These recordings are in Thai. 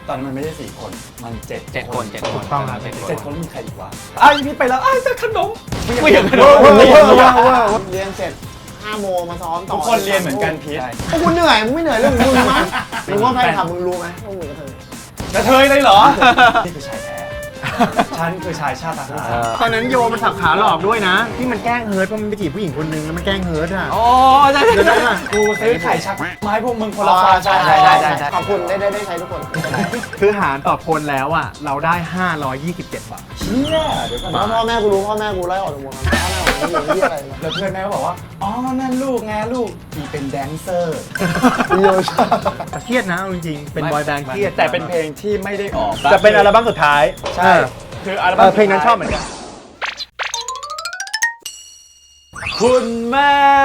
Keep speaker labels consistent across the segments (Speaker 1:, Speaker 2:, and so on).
Speaker 1: ตอนนั้นมันไม่ได้4 คนมัน7 คน
Speaker 2: ถูกต้องครับ
Speaker 1: 7 คนมีใครอีกวะไอ้พี่ไปแล้วไอ้จะขนมไม่อยากขนม
Speaker 3: เรียนเสร็จ5 โมงมาซ้อมต่อ
Speaker 1: ทุกคนเรียนเหมือนกันพีท
Speaker 3: พวกคุณเหนื่อยมึงไม่เหนื่อยเรื่องมึงมั้งมึงว่าแฟนคลับมึงรู้ไหมว่ามึงกระเทย
Speaker 1: กระเทยเลยเหรอนี่คือชายแท้ฉันคือชายชาติทหาร
Speaker 2: ตอนนั้นโยมันสับขาหลอกด้วยนะที่มันแกล้งเฮิร์ตเพราะมันไปจีบผู้หญิงคนนึงแล้วมันแกล้งเฮิร์ตอ่ะ
Speaker 1: อ๋อใช่
Speaker 2: เดี๋ยวนะ
Speaker 1: กูซื้อไข่ชักไม้พวกมึงคนละ
Speaker 3: อ๋อ
Speaker 1: ฟา
Speaker 3: ใช่ขอบคุณได้ใช้ทุกคน
Speaker 2: คือหารต่อคนแล้วอ่ะเราได้527 บาท
Speaker 1: เชี่ยเดี๋ยวก่อน
Speaker 3: แล้ว
Speaker 1: นะ
Speaker 3: พ่อแม่กูรู้พ่อแม่กูไล่ออกจากวงการพ่อแม่กูอยู่ที่อะไรนะ
Speaker 1: แล้วเพื่อนแม่ก็บอกว่าอ๋อนั่นลูกไงลูกอีเป็นแดนเซอร์
Speaker 3: โยชา
Speaker 2: แต่เครียดนะเอาจริงๆเป็นบอยแบนด์เครียด
Speaker 1: แต่เป็นเพลงที่ไม่ได้ออก
Speaker 2: จะเป็นอัลบั้มสุดท้าย
Speaker 1: ใช่คืออัลบั้ม
Speaker 2: เพลงนั้นชอบเหมือนกัน
Speaker 1: คุณแม่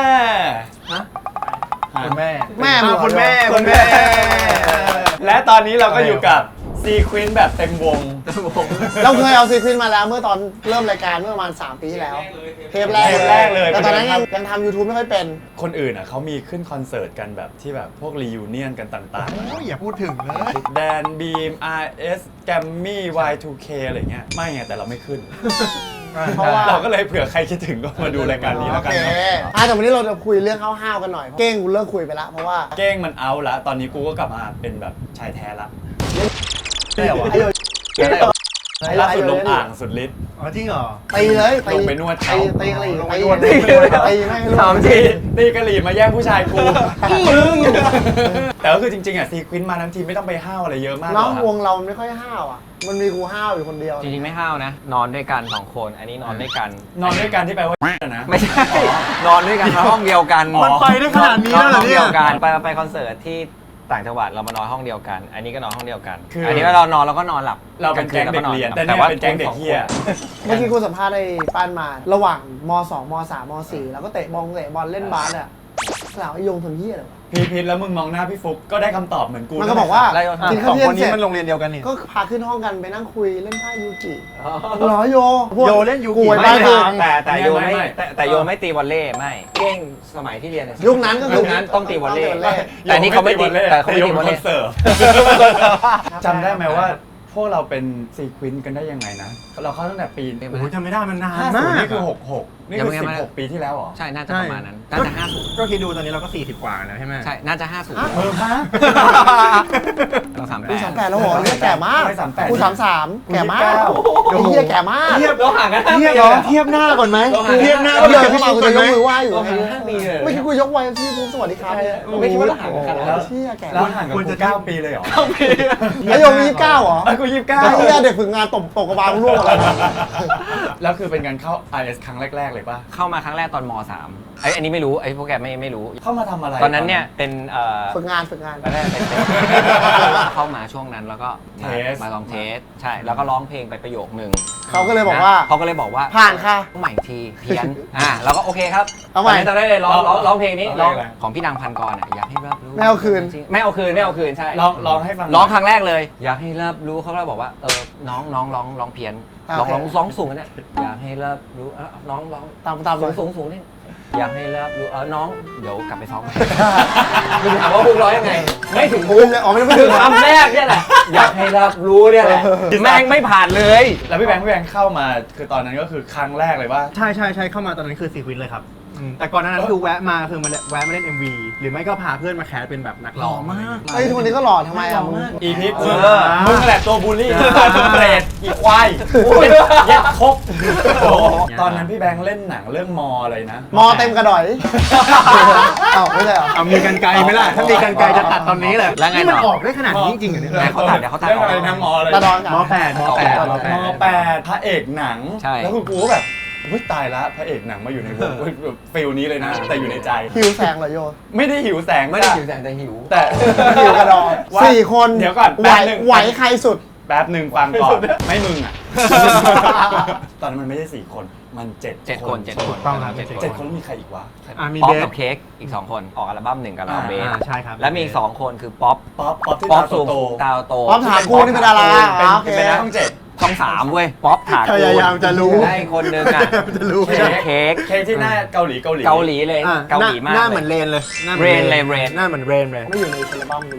Speaker 2: คุณแม่
Speaker 3: แม่
Speaker 2: อ้าวคุณแม่
Speaker 1: คุณแม่ และตอนนี้เราก็อยู่กับซีควินแบบเต็มวง
Speaker 3: เราเคยเอาซีควินมาแล้วเมื่อตอนเริ่มรายการเมื่อประมาณ3 ปีที่แล้วเทปแรกเลยแต่ตอนนั้นยังทำ YouTube ไม่ค่อยเป็น
Speaker 1: คนอื่นอ่ะเขามีขึ้นคอนเสิร์ตกันแบบที่แบบพวกรียูเนียนกันต่าง
Speaker 2: โอ้ยอย่าพูดถึงเลย
Speaker 1: ๆแดนบีม RS แกมมี่ Y2K อะไรเงี้ยไม่ไงแต่เราไม่ขึ้น
Speaker 3: เพราะว่า
Speaker 1: เราก็เลยเผื่อใครคิดถึงก็มาดูรายการนี้แล้วกัน
Speaker 3: โอเค
Speaker 1: เนาะ
Speaker 3: แต่วันนี้เราจะคุยเรื่องห้าวๆกันหน่อยเก้งกูเลิกคุยไปละเพราะว่า
Speaker 1: เก้งมันเอาละตอนนี้กูก็กลับมาเป็นแบบชายแท้ละ
Speaker 3: ไอ้โย
Speaker 1: ล่าสุดลงอ่างสุดฤทธิ์
Speaker 2: อ๋อจริงเหรอ
Speaker 3: ตีเลยตี
Speaker 1: ลงไปนวดเขา
Speaker 3: ตีกะหรี่
Speaker 2: ลงไป
Speaker 3: ตี
Speaker 2: นวด
Speaker 3: ตีไม่ให้รู้
Speaker 1: ถามจริงตีกะหรี่มาแย่งผู้ชายกูมึงแต่ก็คือจริงๆอ่ะซีควินมาทั้งทีไม่ต้องไปห้าวอะไรเยอะมากหร
Speaker 3: น้
Speaker 1: อ
Speaker 3: อง
Speaker 1: ก
Speaker 3: วงเราไม่ค่อยห้าวอ่ะมันมีกูห้าวอยู่คนเดียว
Speaker 4: จริงๆไม่ห้าวนะ นอนด้วยกัน2 คน อันนี้นอนด้วยกัน
Speaker 1: นอนด้วยกันที่แปลว่านะ
Speaker 4: ไม่ใช่ นอนด้วยกันห้องเดียวกัน
Speaker 2: มันไปได้ขนาดนี้แล้วเหรอ
Speaker 4: ห้อง
Speaker 2: เนี่
Speaker 4: เดี
Speaker 2: ย
Speaker 4: ยวกันไปคอนเสิร์ตที่ต่างจังหวัดเรามานอนห้องเดียวกัน อันนี้ก็นอนห้องเดียวกัน
Speaker 1: คืออั
Speaker 4: อันนี้เรานอนเราก็นอนหลับ
Speaker 1: เราเป็นแก๊งเด็กเรียนแต่เนี่ยเป็นแก๊งเด็กเฮีย
Speaker 3: เมื่อกี้กูสัมภาษณ์ไอ้ป้านมาระหว่างม2ม3ม4แล้วก็เตะบอลเล่นบาสอ่ะสาวไอ้ยงทำเหี้ยอะไรวะ
Speaker 1: พีทแล้วมึงมองหน้าพี่ฟุกก็ได้คำตอบเหมือนกู
Speaker 3: มันก็บอกว่า
Speaker 4: ไล่โยน
Speaker 3: กิน
Speaker 2: ส
Speaker 3: ข้าว
Speaker 2: อง
Speaker 3: เที่ย
Speaker 2: ค
Speaker 3: ง
Speaker 2: น
Speaker 3: เส
Speaker 2: นี้
Speaker 3: ร็จ
Speaker 2: มันโรงเรียนเดียวกันนี่
Speaker 3: ก็พาขึ้นห้องกันไปนั่งคุยเล่นไพ่ยูกิ
Speaker 4: อ๋อ
Speaker 3: เหรอโย
Speaker 2: โยเล่นยูกิ
Speaker 3: กูไอ้
Speaker 4: ไม่
Speaker 3: บ้าคือ
Speaker 4: แต่โยแต่โยไม่ตีวอลเล่ไม่เก้งสมัยที่เรียนเนี่ย
Speaker 3: ยุคนั้นก็คือ
Speaker 4: ยุคนั้นต้องตีวอลเล่
Speaker 3: ต้องตีวอลเล่
Speaker 4: แต่นี่เขาไม่ตีแต่เขาไม่ตีวอล
Speaker 1: ค
Speaker 4: เล่
Speaker 1: อนเสิร์ตจำได้ไหมว่าพวกเราเป็นซีควินกันได้ยังไงนะ เราเข้าตั้งแต่ปี
Speaker 2: โอ้โหจำไม่ได้มันนาน
Speaker 1: 50
Speaker 2: มาก
Speaker 1: นี่คือ66นี่คือ16 ปีที่แล้วเหรอ
Speaker 4: ใช่ น่าจะประมาณนั้น น่าจะ50
Speaker 2: ก็คิดดูตอนนี้เราก็40 กว่าแล้วใช่ไหม
Speaker 4: ใช่ น่าจะ50
Speaker 1: เออฮะ
Speaker 4: เรา
Speaker 3: กู
Speaker 4: 38
Speaker 3: 38แล้วเหรอเนี่ยแก่มาก
Speaker 1: ไม่38
Speaker 3: กู33แก่มาก
Speaker 1: กู
Speaker 3: ไอ้เหี้ยแก่มาก
Speaker 4: เทียบเราห่างกัน
Speaker 2: เทียบเหรอเทียบหน้าก่อนไหมเทียบหน้า
Speaker 3: เดินเข้ามากูจะยกมือไหว้อยู่
Speaker 4: เราห่างกัน5 ปีเลย
Speaker 3: ไม่คิดกูยกไหว้ที่สวัสดีครับเนี่ย
Speaker 4: ไม่คิดว่าเราห่างกันขนาดนั้น
Speaker 3: เชี่ยแก่
Speaker 1: แล้ว
Speaker 3: มาก
Speaker 1: ห่างกับกู9 ปีเลยเหรอ
Speaker 3: ไอ้โยมี29เหรอ
Speaker 1: ไอ้กู
Speaker 3: ไอ้เหี้ยเด็กฝึกงานตกกระบาลร่วงอะไร
Speaker 1: แล้วคือเป็นการเข้า IS ครั้งแรกๆเลยป่ะ
Speaker 4: เข้ามาครั้งแรกตอนม3อันนี้ไม่รู้ ไอ้พวกแกไม่รู้
Speaker 1: เข้ามาทำอะไร
Speaker 4: ตอนนั้นเนี่ยเป็น
Speaker 3: ฝึกงาน
Speaker 4: ตอนแรกเป็นเข้ามาช่วงนั้นแล้วก็มาลองเทส ใช่ แล้วก็ร้องเพลงไปประโยคนึง
Speaker 3: เขาก็เลยบอกว่า
Speaker 4: เขาก็เลยบอกว่า
Speaker 3: ผ่านค่ะ
Speaker 4: ต้องใหม่อีกทีเพี้ยนเราก็โอเคครับ
Speaker 3: เอาใหม่
Speaker 4: ตอนนั้นเลยร้องเพลงนี้ร้องของพี่ดังพันกรอยากให้รับรู้
Speaker 3: ไม่เอาคืน
Speaker 4: ไม่เอาคืนใช่
Speaker 1: ลองให้ฟัง
Speaker 4: ร้องครั้งแรกเลย อยากให้รับรู้เขาก็บอกว่าน้องร้องเพี้ยนร้องสูงเนี่ยอยากให้รับรู้น้องร้อง
Speaker 3: ตาม
Speaker 4: สูงนี่อยากให้รับรู้น้องเดี๋ยวกลับไปซ้อมใหม่มึงถามว่าพวกร้องยังไง ไม่ถึง
Speaker 3: ภูมิเลยอ๋อไม่
Speaker 4: ถึ
Speaker 3: ถึ
Speaker 4: ง
Speaker 3: ง
Speaker 4: คำแรกเนี่ยแหละอยากให้รับรู้เนี่ยแหละแม่งไม่ผ่านเลย
Speaker 1: แล้วพี่แบงค์เข้ามาคือตอนนั้นก็คือครั้งแรกเลยว่า
Speaker 2: ใช่เข้ามาตอนนั้นคือซีควินเลยครับแต่ก่อนหน้านั้นคือแวะมาคือมาแวะมาเล่น MV หรือไม่ก็พาเพื่อนมาแคสเป็นแบบนักร้อง
Speaker 3: ไอ้ทุกคนนี้ก็หล่อทำไมอ่ะมึง
Speaker 1: อีพิษ
Speaker 4: เออ
Speaker 1: มึงแหละตัวบูลลี่ตัวเปรตอีควายเย็ดครบตอนนั้นพี่แบงค์เล่นหนังเรื่องมออะไรนะ
Speaker 3: มอเต็มกระดอยอ้าวไม่ใช่เหรอ
Speaker 2: เอามีกันไกลไหมล่ะถ้ามีกันไกลจะตัดตอนนี้เลย
Speaker 4: แล้วไง
Speaker 2: นี่มัน
Speaker 4: ต่อ
Speaker 2: ออกได้ขนาดนี้จริงๆเหรอเนี่ย
Speaker 4: ไหนเขาตัดเดี๋ยวเขาตัด
Speaker 1: เรื่องอะไรนะมออะไร
Speaker 3: กระดอน
Speaker 2: มแปด
Speaker 1: มแปดพระเอกหนัง
Speaker 4: ใช่
Speaker 1: แล้วคือกูก็แบบอุ๊ยตายละพระเอกหนังมาอยู่ในวงฟิลนี้เลยนะแต่อยู่ในใจ
Speaker 3: หิวแสงเหรอโย
Speaker 1: ไม่ได้หิวแสง
Speaker 4: ไม่ได้หิวแสงแต่หิว
Speaker 1: แต่
Speaker 3: หิวกระดอย
Speaker 1: ว่า
Speaker 3: 4 คน
Speaker 1: เดี๋ยวก่อน
Speaker 3: ไหว
Speaker 1: แป๊บนึง
Speaker 3: ไหวใครสุด
Speaker 1: แป๊บหนึ่งฟังก่อนไม่มึงอ่ะ ตอนนั้นมันไม่ใช่4 คนมัน7 คน
Speaker 4: 7 คน
Speaker 2: ต้องครับ
Speaker 1: 7 คนแล้วมีใครอีกวะ
Speaker 2: มี
Speaker 4: ป๊อ
Speaker 2: เบ
Speaker 4: ป
Speaker 2: ส
Speaker 4: กับเค้กอีก2 คนออกอัลบั้ม1กับเราเบส
Speaker 2: ใช่ครับ
Speaker 4: แล้วมีอีก2 คนคือป๊อป
Speaker 1: ป๊อปที่
Speaker 4: ป๊อป
Speaker 1: ตา
Speaker 4: สูง
Speaker 1: โต
Speaker 4: ตาโต
Speaker 3: ป๊อปถามกูนี่เป็นดารา
Speaker 1: เป็น
Speaker 3: โอเค
Speaker 1: เป็นช่อง
Speaker 4: ช่อง3เว้ยป๊อปถา
Speaker 2: พยายามจะรู้
Speaker 4: ได้คนนึงอ่ะ
Speaker 2: จะรู้
Speaker 4: เค้ก
Speaker 1: 7เค้กที่หน้าเกาหลี
Speaker 4: เกาหลีเลย
Speaker 2: อ่ะ
Speaker 4: เกาหลีมาก
Speaker 2: หน้าเหมือนเรนเลย
Speaker 4: เรนเลยเรน
Speaker 2: หน้าเหมือนเรนเลย
Speaker 3: ไม่อยู่ในอัลบั้มกูเลย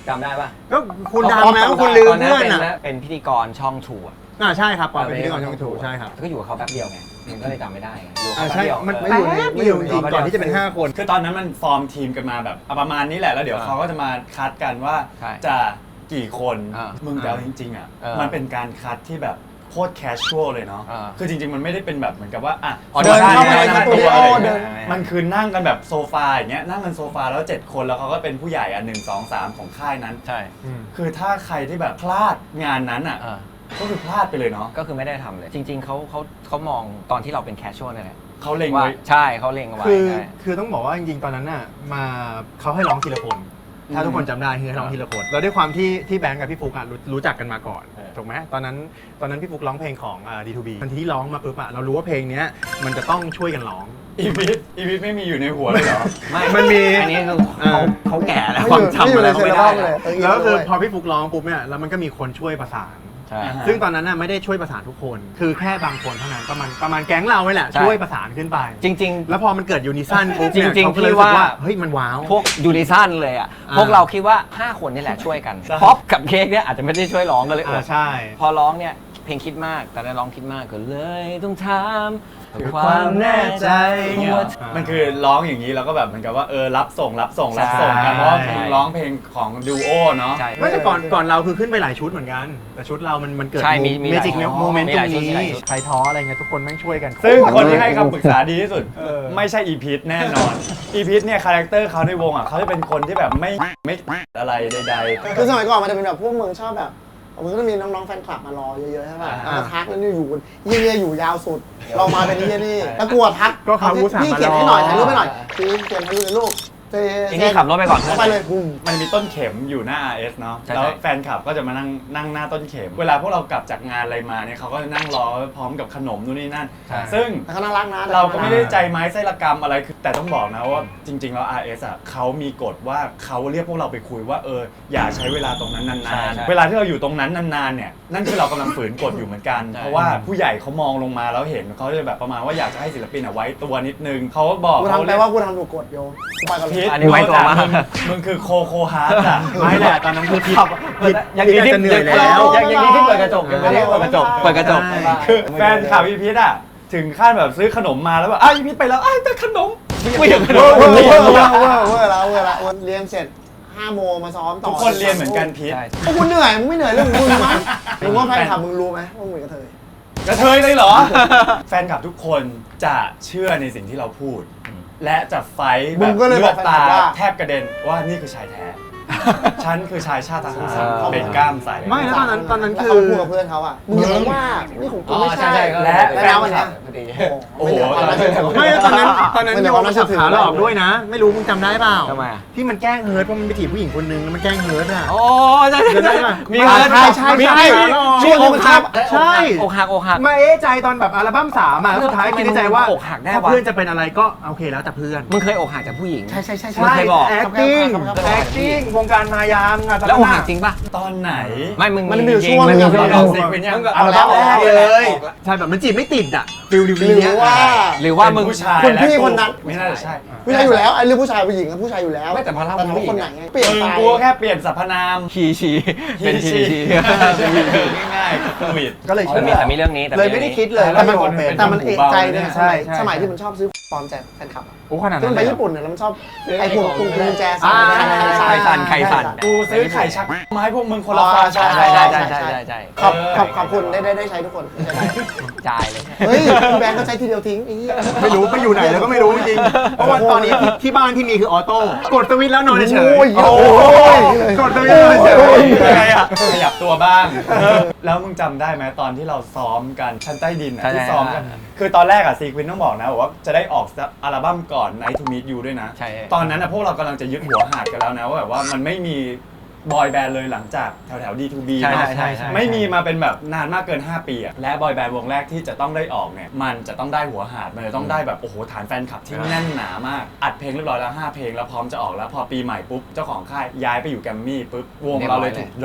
Speaker 4: จำได้ปะ
Speaker 2: ก็คุณดังแล้วคุณลืม
Speaker 4: ตอนนั้น
Speaker 2: เพื่อน
Speaker 4: เป็น
Speaker 2: อ่ะ
Speaker 4: เป็นพิธีกรช่องชูอ่ะ
Speaker 2: ใช่ครับปอนเป็นพิธีกรช่องถูกใช่ครับ
Speaker 4: ก็อยู่กับเขาแป๊บเดียวไงมันก็เลยจำไม่ได้ไงอยู่กับ
Speaker 2: อ่า
Speaker 4: เขาแป๊บ
Speaker 2: ใช่
Speaker 4: เดียว
Speaker 2: มัน
Speaker 4: เอ
Speaker 2: ไม่
Speaker 4: อ
Speaker 2: อยู่ไม่อยู่จริงๆก่อนที่จะเป็น 5 คน
Speaker 1: คือตอนนั้นมันฟอร์มทีมกันมาแบบประมาณนี้แหละแล้วเดี๋ยวเขาก็จะมาคัดกันว่า
Speaker 4: ใช่
Speaker 1: จะกี่คน
Speaker 4: อ่า
Speaker 1: มึงแต่เอาจริงๆอ่ะ
Speaker 4: เออ
Speaker 1: มันเป็นการคัดที่แบบโคตรแคชชวลเลยเนาะ
Speaker 4: อ่า
Speaker 1: คือจริงๆมันไม่ได้เป็นแบบเหมือนกับว่าอ่ะ
Speaker 4: อ๋อ
Speaker 3: เดินเข้าไปในสตูดิโอ
Speaker 1: อะไรอย่าง
Speaker 3: เดิ
Speaker 1: เงี้
Speaker 3: น
Speaker 1: ยมันคือนั่งกันแบบโซฟาอย่างเงี้ยนั่งกันโซฟาแล้ว 7 คนแล้วเขาก็เป็นผู้ใหญ่อ่ะ1 2 3 ของค่ายนั้น
Speaker 4: ใช่
Speaker 1: คือถ้าใครที่แบบพลาดงานนั้นอ่ะ
Speaker 4: เออ
Speaker 1: ก็คือพลาดไปเลยเนาะ
Speaker 4: ก็คือไม่ได้ทำเลย จริง ๆเขามองตอนที่เราเป็นแคชชวลนั่นแหละ
Speaker 1: เขาเล็ง
Speaker 4: ว่า
Speaker 1: ไว้
Speaker 4: ใช่เขาเล็งเอาไว้
Speaker 2: คือ
Speaker 4: ใช่
Speaker 2: คือต้องบอกว่าจริงๆตอนนั้นน่ะมาเขาให้ร้องทีละคน ถ้าทุกคนจำได้คือให้ร้องทีละคนแล้วด้วยความที่แบงค์กับพี่ฟุกอ่ะรู้จักกันมาก่อนถูกไหมตอนนั้นพี่ฟุกร้องเพลงของD2B ทันทีที่ร้องมาปุ๊บอ่ะเรารู้ว่าเพลงเนี้ยมันจะต้องช่วยกันร้อง
Speaker 1: อีวิทไม่มีอยู่ในหัวเลยเหรอ
Speaker 4: ไม่
Speaker 2: มันมี
Speaker 4: อันนี้คือ
Speaker 2: เออ
Speaker 4: เขาแก่แล้ว
Speaker 3: ไม่
Speaker 4: ค
Speaker 3: อ
Speaker 4: วาม
Speaker 3: ยู่
Speaker 4: จำอะไรเขาไม่ได้
Speaker 3: เลย
Speaker 2: แล้วก็คือพอพี่ฟุกร้องปุ๊บเนี่ยแล้วมันก็มีคนช่วยประสาน
Speaker 4: ใช่
Speaker 1: อ่าฮะ
Speaker 2: ซึ่งตอนนั้นน่ะไม่ได้ช่วยประสานทุกคน คือแค่บางคนเท่านั้นประมาณแก๊งเราไว้แหละ
Speaker 4: ใช่
Speaker 2: ช่วยประสานขึ้นไป
Speaker 4: จริง
Speaker 2: แล้วพอมันเกิดยูนิซันปุ๊บเนี่ย
Speaker 4: จริงๆ
Speaker 2: เขาก็เลย
Speaker 4: พี่
Speaker 2: รู้สึก
Speaker 4: ว่า
Speaker 2: ว่าเฮ้ยมันว้าว
Speaker 4: พวกยูนิซันเลยอ่ะ พวกเราคิดว่า 5 คนนี่แหละช่วยกัน
Speaker 1: ใช่
Speaker 4: ป๊อปกับเค้กเนี่ยอาจจะไม่ได้ช่วยร้องกันเลยอด
Speaker 2: ใช่
Speaker 4: พอร้องเนี่ยเพลงคิดมากแต่ได้ร้องคิดมากก็เลยต้องถาม
Speaker 2: คือความแน่ใจ
Speaker 4: ว่า
Speaker 1: มันคือร้องอย่างนี้แล้วก็แบบเหมือนกับว่ารับส่งกัน
Speaker 4: ใช่
Speaker 1: เพราะว่ามึงร้องเพลงของดูโอเนาะ
Speaker 4: ใช่
Speaker 2: ไม่แต่ก่อนเราคือขึ้นไปหลายชุดเหมือนกัน แต่ชุดเรามันเกิด
Speaker 4: ใช่มี
Speaker 2: เมจิก
Speaker 4: หลายชุด
Speaker 2: โมเมนต์
Speaker 4: มี
Speaker 2: ต
Speaker 4: ห
Speaker 2: ร
Speaker 4: ลาย
Speaker 2: ง
Speaker 4: ชุดมี
Speaker 2: นี้
Speaker 4: หลายชุด
Speaker 2: ใครท้ออะไรเงี้ยทุกคนแม่งช่วยกัน
Speaker 1: ซึ่งคนที่ให้คำปรึกษาดีที่สุด
Speaker 2: เออ
Speaker 1: ไม่ใช่อีพีทแน่นอนอีพีทเนี่ยคาแรคเตอร์เขาในวงอ่ะเขาจะเป็นคนที่แบบไม่อะไรใด
Speaker 3: คือสมัยก่อนมันจะเป็นแบบพวกมึงชอบแบบมันก็จะมีน้องๆแฟนคลับมารอเยอะๆใช่ป่ะ
Speaker 1: อ่า
Speaker 3: มาทักแล้วนี่อยู่เยี่ยอยู่ยาวสุด เรามาเป็นเยี่ยนี่แล้วกลัวทัก
Speaker 2: ก็เขาอุตส่าห์
Speaker 3: พี่
Speaker 2: มารอ
Speaker 3: เขียนให้หน่อยถ่ายรูปให้หน่อยพี่เขียนให้รูปในรูปเจ๊
Speaker 4: ทีนี้ขับรถไปก่อน
Speaker 3: เข้าไปเลยบุ้ม
Speaker 1: ๆมันมีต้นเข็มอยู่หน้า RS เนาะ
Speaker 4: ใช่
Speaker 1: แล้วแฟนคลับก็จะมานั่งหน้าต้นเข็ม เวลาพวกเรากลับจากงานอะไรมาเนี่ยเขาก็จะนั่งรอพร้อมกับขนมนู่นนี่นั่น
Speaker 4: ใช่
Speaker 1: ซึ่ง
Speaker 3: แต่เขาน่ารักนะ
Speaker 1: เราก็ไม่ได้ใจไม้ไส้ละกรรมอะไรคือแต่ต้องบอกนะว่าจริง ๆ แล้ว RS อ่ะเขามีกฎว่าเขาเรียกพวกเราไปคุยว่าอย่าใช้เวลาตรงนั้น
Speaker 4: ใช่
Speaker 1: นาน
Speaker 4: ใช่
Speaker 1: ๆเวลาที่เราอยู่ตรงนั้นนานๆเนี่ยนั่นคือเรากำลังฝืนกฎอยู่เหมือนกัน
Speaker 4: ใช่
Speaker 1: เพราะว่าผู้ใหญ่เขามองลงมาแล้วเห็นเขาจะแบบประมาณว่าอยากจะให้ศิลปินอ่ะไว้ตัวนิดนึงเขาก็บอก
Speaker 3: กูทำแปลว่ากูทำถูกกฎโยกูไปกับ
Speaker 1: พีท
Speaker 4: อันนี้ไว้ตัวมาก
Speaker 1: มึงคือโคฮาร์ดอ่ะ
Speaker 2: ไม่แหละตอนนั้นคือผิด
Speaker 4: ยัง
Speaker 2: พี่อาจจะเหนื่อยแล้ว
Speaker 4: ยังที่เปิดกระจกยังไม่ได้เปิดกระจก
Speaker 2: ใช่
Speaker 1: คือแฟนข่าวพีพีทอ่ะถึงขั้นแบบซื้อขนมมาแล้วแบบพีพีทไปแล้วแต่ขนม
Speaker 4: ไม่อยากขน
Speaker 3: เวอ
Speaker 4: ม
Speaker 3: ร์เวอร์เวอร์เวอร์เวอร์แล้วเรียนเสร็จ5 โมงมาซ้อมต่อ
Speaker 1: ทุกคนเรียนเหมือนกันพีท
Speaker 4: ใช่
Speaker 3: พวกกูเหนื่อยมึงไม่เหนื่อยเรื่องมึงมั้งมึงว่าแฟนคลับมึงรู้ไหมว่ามึงเป็นกระเทย
Speaker 1: กระเทยเลยเหรอ แฟนคลับทุกคนจะเชื่อในสิ่งที่เราพูด และจะไฟท์แบ
Speaker 3: มึ
Speaker 1: บ
Speaker 3: งก็เลย
Speaker 1: เลื
Speaker 3: บอ
Speaker 1: อก ด
Speaker 3: แฟนคลั
Speaker 1: ตา
Speaker 3: บว่า
Speaker 1: แทบกระเด็นว่านี่คือชายแท้ ฉันคือชายชาติทหาร
Speaker 4: เออ
Speaker 1: เป็นกล้ามใส
Speaker 2: ไม่แล้วตอนนั้น
Speaker 3: แล้ว
Speaker 2: คื
Speaker 3: เขา
Speaker 2: อ
Speaker 3: พูดกับเพื่อนเขาอ่ะมึงอย่ามาว่านี่ของกูไม่ใช่
Speaker 1: และ
Speaker 3: และแล้ววันเนี้ย
Speaker 4: พอดี
Speaker 1: โอ้โห
Speaker 2: ไม่แล้วตอนนั้น
Speaker 3: ไม่ได้
Speaker 2: โย
Speaker 3: ความ
Speaker 2: ม
Speaker 3: น่าเชื่
Speaker 2: สั
Speaker 3: อบ ถือ
Speaker 2: ขาหลอกด้วยนะ ไม่รู้มึงจำได้เปล่า
Speaker 4: ทำไมอ่ะ
Speaker 2: ที่มันแกล้งเฮิร์ตเพราะมันไปถีบผู้หญิงคนนึงแล้วมันแกล้งเฮิร์ตอ่ะ
Speaker 4: โอ้ใช่
Speaker 2: จำได้ปะ
Speaker 4: มี
Speaker 3: ใช่
Speaker 4: เงิน
Speaker 3: ใช่
Speaker 2: มี
Speaker 3: ใช่
Speaker 2: ช่วงที่มันชอบ ใช่
Speaker 4: อกหักอกหัก
Speaker 2: มาเอ๊ะใจตอนแบบอัลบั้ม3อ่ะแล้วสุดท้ายคิดในใจว่า
Speaker 4: อกหักได้วะ
Speaker 2: ถ้าเพื่อนจะเป็นอะไรก็โอเคแล้วแต่เพื่อน
Speaker 4: มึงเคยอกหักจากผู้หญิง
Speaker 3: ใช่ใช่ใช่
Speaker 4: มึงเคยบอก
Speaker 2: acting acting วงการมายามงาน
Speaker 4: แล้วอกหักจริงป่ะ
Speaker 1: ตอนไหน
Speaker 4: ไม่มึง
Speaker 3: มันมีอยู่
Speaker 4: จริ
Speaker 3: ช่วง
Speaker 4: มั
Speaker 3: หนึ่ง
Speaker 4: มี
Speaker 3: อะ
Speaker 4: ช่วง
Speaker 1: เราซิกเป็นยัง
Speaker 2: อัลบั้มแรกเลย
Speaker 4: ออกแล้ว
Speaker 2: ใช่แบบมันจีบไม่ติดอ่ะฟิลดิว
Speaker 3: หรื
Speaker 2: เนี้ย
Speaker 3: อว่า
Speaker 4: หรือว่ามึง
Speaker 1: เป็นผู้ชาย
Speaker 3: คุณพี่
Speaker 1: และ
Speaker 3: คนนั้น
Speaker 1: ไม่น่าจะใช่
Speaker 3: ผู้ชายอยู่แล้วไอ้เรื่องผู้ชายผู้หญิงกับผู้ชายอยู่แล้ว
Speaker 4: ไม่แต่พอเล่า
Speaker 3: แต่ถาม
Speaker 4: ผู้
Speaker 3: ว่า
Speaker 4: หญิง
Speaker 3: คนไหนไงเปลี่ยนไป
Speaker 1: กูแค่เปลี่ยนสรรพนาม
Speaker 4: ชีเป็นชี
Speaker 1: ง่ายๆโควิด
Speaker 3: ก็เลย
Speaker 4: แต่
Speaker 3: เชื่
Speaker 4: มี
Speaker 3: อ
Speaker 4: แต่มีเรื่องนี้แต่
Speaker 2: เลยไม่ได้คิดเลย
Speaker 3: แต่มัน
Speaker 2: ว่าเป็น
Speaker 3: แต่มันเอกใจเนี่ย
Speaker 2: ใช่ใช่
Speaker 3: สมัยที่มันชอบซื้อปลอมแจกแฟนคลับอะ
Speaker 2: โอ้ขนาด
Speaker 3: ที่
Speaker 2: นั้
Speaker 3: มัน น
Speaker 2: เล
Speaker 3: ไป
Speaker 2: ย
Speaker 3: ญี่ปุ่นเนี่ยแล้วมันชอบไอ้พวกกุญแจ
Speaker 2: อ่า
Speaker 4: ไข่สั่นไข่สั่น
Speaker 1: กูซื้อไข่ชักมาให้พวกมึงคนละฟา
Speaker 3: ใช่
Speaker 1: ใช่
Speaker 4: ใช่ใช่ใช่ใช่ใช่
Speaker 3: ขอบคุณได้ใช้ทุกคน
Speaker 4: จ่ายเลย
Speaker 3: เฮ้ยพี่แบงค์ก็ใช้ทีเดียวทิ้งไอ้เหี้ย
Speaker 2: ไม่รู้ไปอยู่ไหนแล้วก็ไม่รู้จริงๆเพราะว่าตอนนี้ที่บ้านที่มีคือออโต้กดสวิตช์แล้วนอนเฉย
Speaker 3: โอ้ย
Speaker 2: โอ้ยกดสวิตช์แล้วนอนเฉย
Speaker 1: ยังไงอ่ะขยับตัวบ้าง แล้วมึงจำได้ไหมตอนที่เราซ้อมกันชั้นใต้ดินอ่ะ
Speaker 4: ใช่
Speaker 1: ที่ซ้อมกัน คือตอนแรกอ่ะซีควินต้องบอกนะว่าจะได้ออกอัลบั้มก่อน Night to Meet You ด้วยนะ
Speaker 4: ใช่
Speaker 1: ตอนนั้นอ่ะพวกเรากำลังจะยึดหัวหาดกันแล้วนะว่าแบบว่ามันไม่มีบอยแบนด์เลยหลังจากแถวD2B
Speaker 4: ใช่
Speaker 1: เนาะ
Speaker 4: ใช่ใช่
Speaker 1: ไม่มีมาเป็นแบบนานมากเกิน 5 ปีอ่ะและบอยแบนด์วงแรกที่จะต้องได้ออกเนี่ยมันจะต้องได้หัวหาดมันจะต้องได้แบบโอ้โหฐานแฟนคลับที่แน่นหนามากอัดเพลงเรียบร้อยแล้ว5 เพลงแล้วพร้อมจะออกแล้วพอปีใหม่ปุ๊บเจ้าของค่ายย้ายไปอยู่แกรมมี่ปุ๊บวงเราเลยถูกดรอป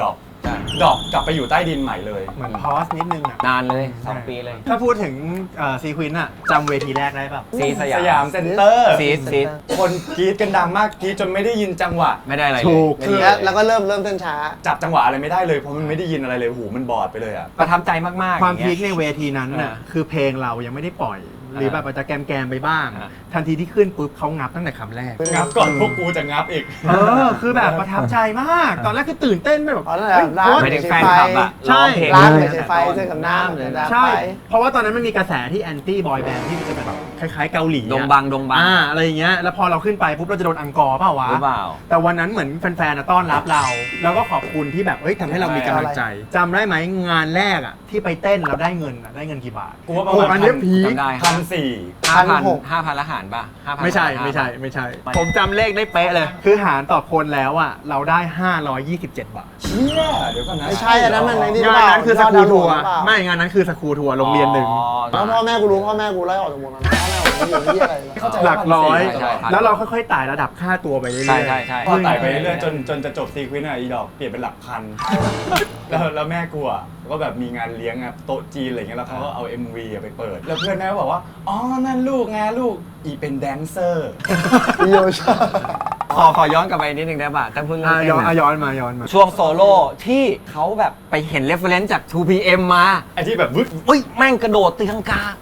Speaker 4: ใช่
Speaker 1: ดรอปกลับไปอยู่ใต้ดินใหม่เลย
Speaker 2: เหมือนพอสนิดนึงอ่ะ
Speaker 4: นานเลย 2 ปีเลย
Speaker 2: ถ้าพูดถึงซีควินอ่ะจำเวทีแรกได้ป่ะ
Speaker 4: ซีส
Speaker 1: ส
Speaker 4: ยาม
Speaker 1: ยามเซ็นเตอร์
Speaker 4: ซีด
Speaker 1: คนกรี๊ดกันดังมากกรี๊ดจนไม่ได้ยินจังหวะ
Speaker 4: ไม่ได้อะไรเลย
Speaker 2: ถูก
Speaker 4: ไม่ได้
Speaker 3: แล้วก็เริ่มเต้นช้า
Speaker 1: จับจังหวะอะไรไม่ได้เลยเพราะมันไม่ได้ยินอะไรเลยหูมันบอดไปเลยอ่ะ
Speaker 4: ประทับใจมากๆ
Speaker 2: ความ
Speaker 4: อย่ง
Speaker 2: พี
Speaker 4: เงี้
Speaker 2: ค
Speaker 4: ย
Speaker 2: ในเวทีนั้นน่ะ คือเพลงเรายังไม่ได้ปล่อย หรือแบบอาจจะแกมๆไปบ้าง
Speaker 4: อ่า
Speaker 2: ทันทีที่ขึ้นปุ๊บเขางับตั้งแต่คำแรก
Speaker 1: งับก่อนพวกกูจะงับอีก
Speaker 2: คือแบบประทับใจมาก ตอนแรกคือตื่นเต้นไปแบบ
Speaker 3: อ๋อนั่นแหละ
Speaker 2: เฮ้ย
Speaker 3: ร้าน
Speaker 2: เพราะ
Speaker 4: ไม่ได้แฟนคลับอะ
Speaker 2: ใช่
Speaker 4: ร้องเพลง
Speaker 3: ร้าน
Speaker 4: เล
Speaker 3: ไม่
Speaker 4: ย
Speaker 3: ใช่ไฟเส้นกับน้ำเลยนะ
Speaker 2: ใช่
Speaker 3: ไป
Speaker 2: เพราะว่าตอนนั้นมันมีกระแสที่แอนตี้บอยแบนด์ที่จะเป็นแบบคล้ายๆเกาหลีอะ
Speaker 4: ดงบัง
Speaker 2: อะไรอย่างเงี้ย แล้วพอเราขึ้นไปปุ๊บเราจะโดนอังกอร์เปล่าวะ
Speaker 4: หรือเปล่า
Speaker 2: แต่วันนั้นเหมือนแฟนๆต้อนรับเรา แล้วก็ขอบคุณที่แบบเอ้ยทำให้เรามีกำลังใจจำได้ไหมงานแรกอ่ะที่ไปเต้นเราได้เงินอะได้เงินกี่บาท
Speaker 1: กูว่าประ
Speaker 2: โอ้
Speaker 1: มาณ
Speaker 2: อันเนี้ยพีค
Speaker 4: จำได้
Speaker 1: 1,400
Speaker 4: 5,000ละหารป่ะ5,000
Speaker 2: ไม่ใช่ ผมจำเลขได้เป๊ะเลย คือหารต่อคนแล้วอ่ะเราได้ 527 บาท
Speaker 1: เชี่ยเดี๋ยวก่อนนะ
Speaker 3: ไม่ใช่อันนั้นมันในนี่หรื
Speaker 2: งา
Speaker 3: เป
Speaker 2: น
Speaker 3: ล่า
Speaker 2: นั้นคือสกูทัวร์
Speaker 3: ยอดดาวน์โหลดหรือเปล่า
Speaker 2: ไม่งานนั้นคือสกูทัวร์โรงเรียนหนึ่ง
Speaker 3: แล้วพ่อแม่กูรู้พ่อแม่กูไล่ออกจากวงนั้นพ่อแม่ผมไม่อยู่ที่อะไรเลย
Speaker 1: เข้าใจ
Speaker 2: หลักร้อย
Speaker 4: ใช่
Speaker 2: แล้วเราค่อยๆไต่ระดับค่าตัวไปเรื่อยๆ
Speaker 4: ใช่ใช่ใช่
Speaker 1: พอไต่ไปเรื่อยๆจนจะจบซีควินอ่ะอีดอกเปลี่ยนเป็นหลักพัน แล้วแม่กูอ่ะก็แบบมีงานเลี้ยงอ่ะโต๊ะจีนอะไรเงี้ยแล้วเขาก็เอา MV อ่ะไปเปิด แล้วเพื่อนแม่ก็บอกว่าอ๋อนั่นลูกไงลูกอีเป็นแดนเซอร์
Speaker 3: โยชา
Speaker 4: ขอย้อนกลับไปนิดนึงได้ป่ะท่านพูดเรื่องเต้น
Speaker 2: ย้อน
Speaker 4: อะ
Speaker 2: มา
Speaker 4: ช่วงโซโล่ที่เขาแบบไปเห็นเรฟเฟรนซ์จาก 2PM มา
Speaker 1: ไอ้ที่แบบวึด
Speaker 4: อุ้ยแม่งกระโดดตีลังกา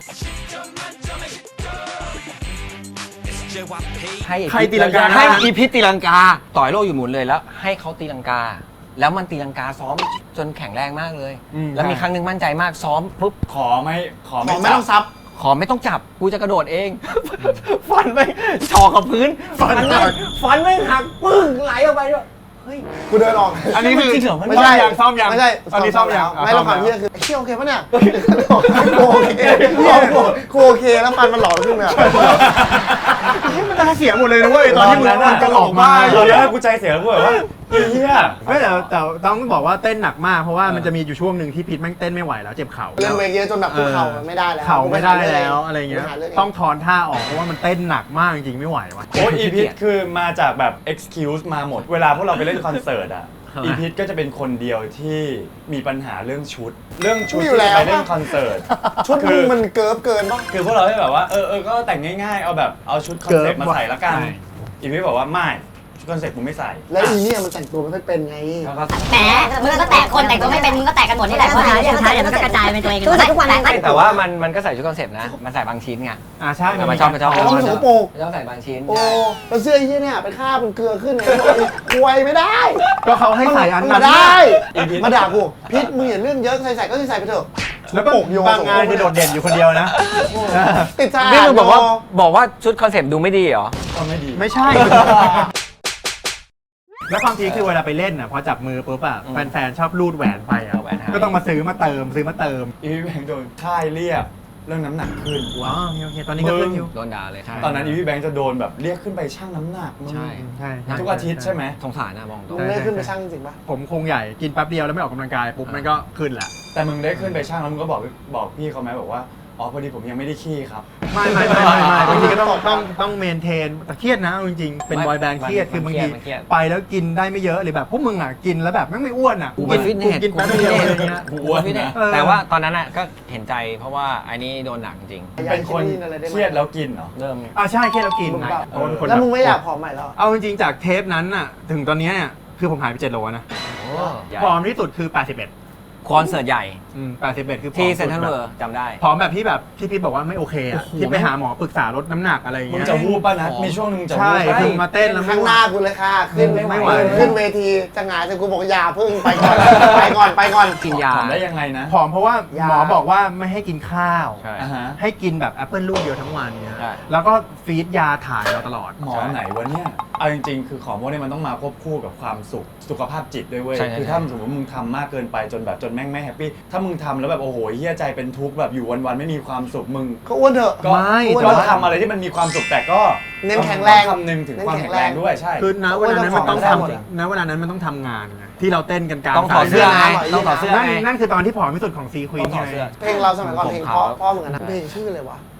Speaker 4: ให้
Speaker 2: ใครตีลังกา
Speaker 4: ให้อีพิษตีลังกา ต่อยโลอยู่หมุนเลยแล้ว ให้เขาตีลังกา แล้วมันตีลังกาซ้อมจนแข็งแรงมากเลย แล้วมีครั้งหนึ่งมั่นใจมากซ้อมปุ๊บ
Speaker 1: ขอไม่
Speaker 3: ขอไม่ต้องซับ
Speaker 4: ขอไม่ต้องจับ กูจะกระโดดเอง ฟันไม่ชอกับพื้น ฟันไม่หักปึ้งไหลออกไปด้วยเฮ้ย
Speaker 3: กูเดินออก
Speaker 2: อันนี้คือ
Speaker 4: จริงเหรอมัน
Speaker 3: ไม่ใช่
Speaker 2: ซ่อมยัง
Speaker 3: ไม่ใช่
Speaker 2: ตอนนี้ซ่อมยัง
Speaker 3: ไม่เราความเที่ยคือเที่ยโอเคปะเนี่ยกูโอเคกูโอเคแล้วฟันมันหลอขึ้นเลย
Speaker 2: มันตาเสียหมดเลยนะเว้ยตอนที่มันจะหลอกมา
Speaker 1: ตอนนั้นกูใจเสียแล้วกูแบบว่าเฮีย
Speaker 2: ไม่แต่ต้องบอกว่าเต้นหนักมากเพราะว่ามันจะมีอยู่ช่วงหนึ่งที่พีทแม่งเต้นไม่ไหวแล้วเจ็บเข่า
Speaker 3: เล่นเวกเยอะจนแบบกูเข่าไม่ได้แล้ว
Speaker 2: เข่าไม่ได้แล้วอะไรเงี้ย
Speaker 3: กูปหารื่
Speaker 2: ต้องถอนท่าออกเพราะว่ามันเต้นหนักมากจริงๆไม่ไหววะ
Speaker 1: โอ้อีพิทคือมาจากแบบ excuse มาหมด เวลาพวกเราไปเล่นคอนเสิร์ตอ่ะ อีพิทก็จะเป็นคนเดียวที่มีปัญหาเรื่องชุด เรื่องชุดที่จะไปเล่นคอนเสิร์ต
Speaker 3: ชุดมึงมันเกินปะ
Speaker 1: คือพวกเราได้แบบว่าก็แต่งง่ายๆ เอาแบบเอาชุดคอนเซ็ปต์มาใส่ละกัน
Speaker 2: ใช่
Speaker 1: อีพิทบอกว่าไม่ชุดคอนเซ็ปต์กูไม่ใส่
Speaker 3: แล้วอีเนี่ยมันแต่งตัวไม่ค่อยเป็นไง
Speaker 1: แล้วก็
Speaker 5: แหมมึงก็แตกคนแต่งตัวไม่เป็นมึงก็แตกกันหมดนี่แหละเพราะสุดท้ายเดี๋ยวมันก็กระจายเป็นตัวเองทุกวัน
Speaker 4: แต่ว่ามันก็ใส่ชุดคอนเซ็ปต์นะ มันใส่บางชิ้นไง
Speaker 2: ใช่
Speaker 4: มันชอบ
Speaker 3: เพราะว่ามันสกปรก
Speaker 4: ต้องใส่บางชิ้น
Speaker 3: โอ้แล้วเสื้อไอ้เหี้ยเนี่ยเป็นคราบเป็นเกลือขึ้นไงควยไม่ได้
Speaker 2: ก็เขาให้ใส่อัน
Speaker 3: มา
Speaker 2: นั้น
Speaker 3: ได้มาด่ากูพิษมึงอย่าเรื่องเยอะใส่ก็ใส่ไปเถอะ
Speaker 2: แล้วก็บางงานจะโดดเด่นอยู่คนเดียวนะ
Speaker 3: ติดสะอาด
Speaker 4: นี่มึงบอกว่าชุดคอนเซ็ปต์ดูไม่ดีเหรอ
Speaker 1: ก็ไม่ดี
Speaker 2: ไม่ใช่ แล้วความจริงคือเวลาไปเล่นอ่ะพอจับมือปุ๊บอ่ะแฟนๆชอบรูดแหวนไปอ่ะ
Speaker 4: เอาแหวนให้
Speaker 2: ก็ต้องมาซื้อมาเติม
Speaker 1: อีพิทแบงค์โดนค่ายเรียกเรื่องน้ำหนักขึ้น
Speaker 2: ว้าวโอเคตอนนี้ก็ขึ้นอยู่
Speaker 4: โดนด่าเลย
Speaker 1: ตอนนั้นอีพิทแบงค์จะโดนแบบเรียกขึ้นไปชั่งน้ำหนักมึง
Speaker 4: ใช่
Speaker 2: ใช่
Speaker 1: ทุกอาทิตย์ใช่ไหม
Speaker 4: สงสารนะมองตรง
Speaker 3: มึงได้ขึ้นไปช่างจริงปะ
Speaker 2: ผมคงใหญ่กินแป๊บเดียวแล้วไม่ออกกำลังกายปุ๊บมันก็ขึ้นแหละ
Speaker 1: แต่มึงได้ขึ้นไปชั่งแล้วมึงก็บอกพี่เขาไหมบอกว่าอ๋อพอดีผมยังไม่ได้ขี้ครับ
Speaker 2: ไม่บางทีก็ต้องเมนเทนแต่เครียดนะเอาจริงๆเป็นบอยแบนด์เครียดคือบางทีไปแล้วกินได้ไม่เยอะหรือแบบพวกมึงอ่ะกินแล้วแบบแม่งไม่อ้วนอ่ะ
Speaker 4: กูเป็นฟิตเนส
Speaker 2: กินแป๊บเดียวอะไรเงี้ย
Speaker 1: กูอ้วนนะ
Speaker 4: แต่ว่าตอนนั้นอ่ะก็เห็นใจเพราะว่าอันนี้โดนหนักจริง
Speaker 1: เป็นคนเครียดแล้วกินเหรอ
Speaker 4: เริ่ม
Speaker 2: ใช่เครียดแล้วกิน
Speaker 3: มึงแบบ
Speaker 2: คน
Speaker 3: แล้วมึงไม่อยากผอมใหม่แล้ว
Speaker 2: เอาจริงๆจากเทปนั้นน่ะถึงตอนเนี้ยเนี่ยคือผมหายไป7 โลนะผอมที่สุดคือ81
Speaker 4: คอนเสิร์ตใหญ่
Speaker 2: 81คือผอม
Speaker 4: ที่
Speaker 2: สุด
Speaker 4: เซ็นทรัลเวิร์จำได้
Speaker 2: ผอมแบบที่แบบที่พี่บอกว่าไม่โอเคอ่ะที่ไปหาหมอปรึกษาลดน้ำหนักอะไร
Speaker 1: มึง
Speaker 2: เงี้ย
Speaker 1: จะวูบป่ะนะ
Speaker 4: อ๋อ
Speaker 1: มีช่วงหนึงจะวู
Speaker 2: ใช่
Speaker 1: บป่ะ
Speaker 2: คือมาเต้นแล้ว
Speaker 3: ข้างหน้ากูเลยค่ะขึ้น
Speaker 2: ไม่ไหว
Speaker 3: ขึ้นเวทีจะหงายแต่กูบอกอย่าพึ่งไปก่อนไปก่อน
Speaker 4: กินยา
Speaker 1: ทำได้ยังไงนะ
Speaker 2: ผอมเพราะว่าหมอบอกว่าไม่ให้กินข้าว
Speaker 4: ใช่
Speaker 1: อ่าฮะ
Speaker 2: ให้กินแบบแอปเปิลลูกเดียวทั้งวันเนี้ย
Speaker 4: ใช่
Speaker 2: แล้วก็ฟีดยาถ่ายเราตลอด
Speaker 1: หมอไหนวะเนี่ย เอาจริงๆ คือของพวกนี้มันต้องมาควบคู่กับความสุขภาพจิตด้วยเว้ย
Speaker 4: ใช่
Speaker 1: คือถ้าสมมติมึงทำมากเกินไปจนแบบจนแม่งไม่แฮปปี้ ถ้ามึงทำแล้วแบบโอ้โหเฮียใจเป็นทุกข์แบบอยู่วันๆไม่มีความสุขมึง
Speaker 3: ก็อ้วนเถอะ
Speaker 1: ก็
Speaker 2: ไม่
Speaker 1: ก็ทำอะไรที่มันมีความสุขแต่ก็
Speaker 3: เน้นแข็งแรง
Speaker 1: ต้องคำนึงถึงความแข็งแรงด้วยใช่
Speaker 2: คือณเวลานั้นมันต้อง
Speaker 3: ได้หมดอะ
Speaker 2: ทำณเวลานั้นมันต้องทำงานไงที่เราเต้นกันกลาง
Speaker 4: ต้องถอดเสื้อไง
Speaker 3: สาย
Speaker 4: ต้องถอดเสื้อ
Speaker 2: นั่น
Speaker 4: ไง
Speaker 2: นั่นคือตอนที่ผอมที่สุดของซีควีน
Speaker 4: ต้องถอดเสื้อ
Speaker 3: เพลงเราสมัยก่อนเพลงเพราะเหมือนกันนะเพลงชื่ออะไรวะ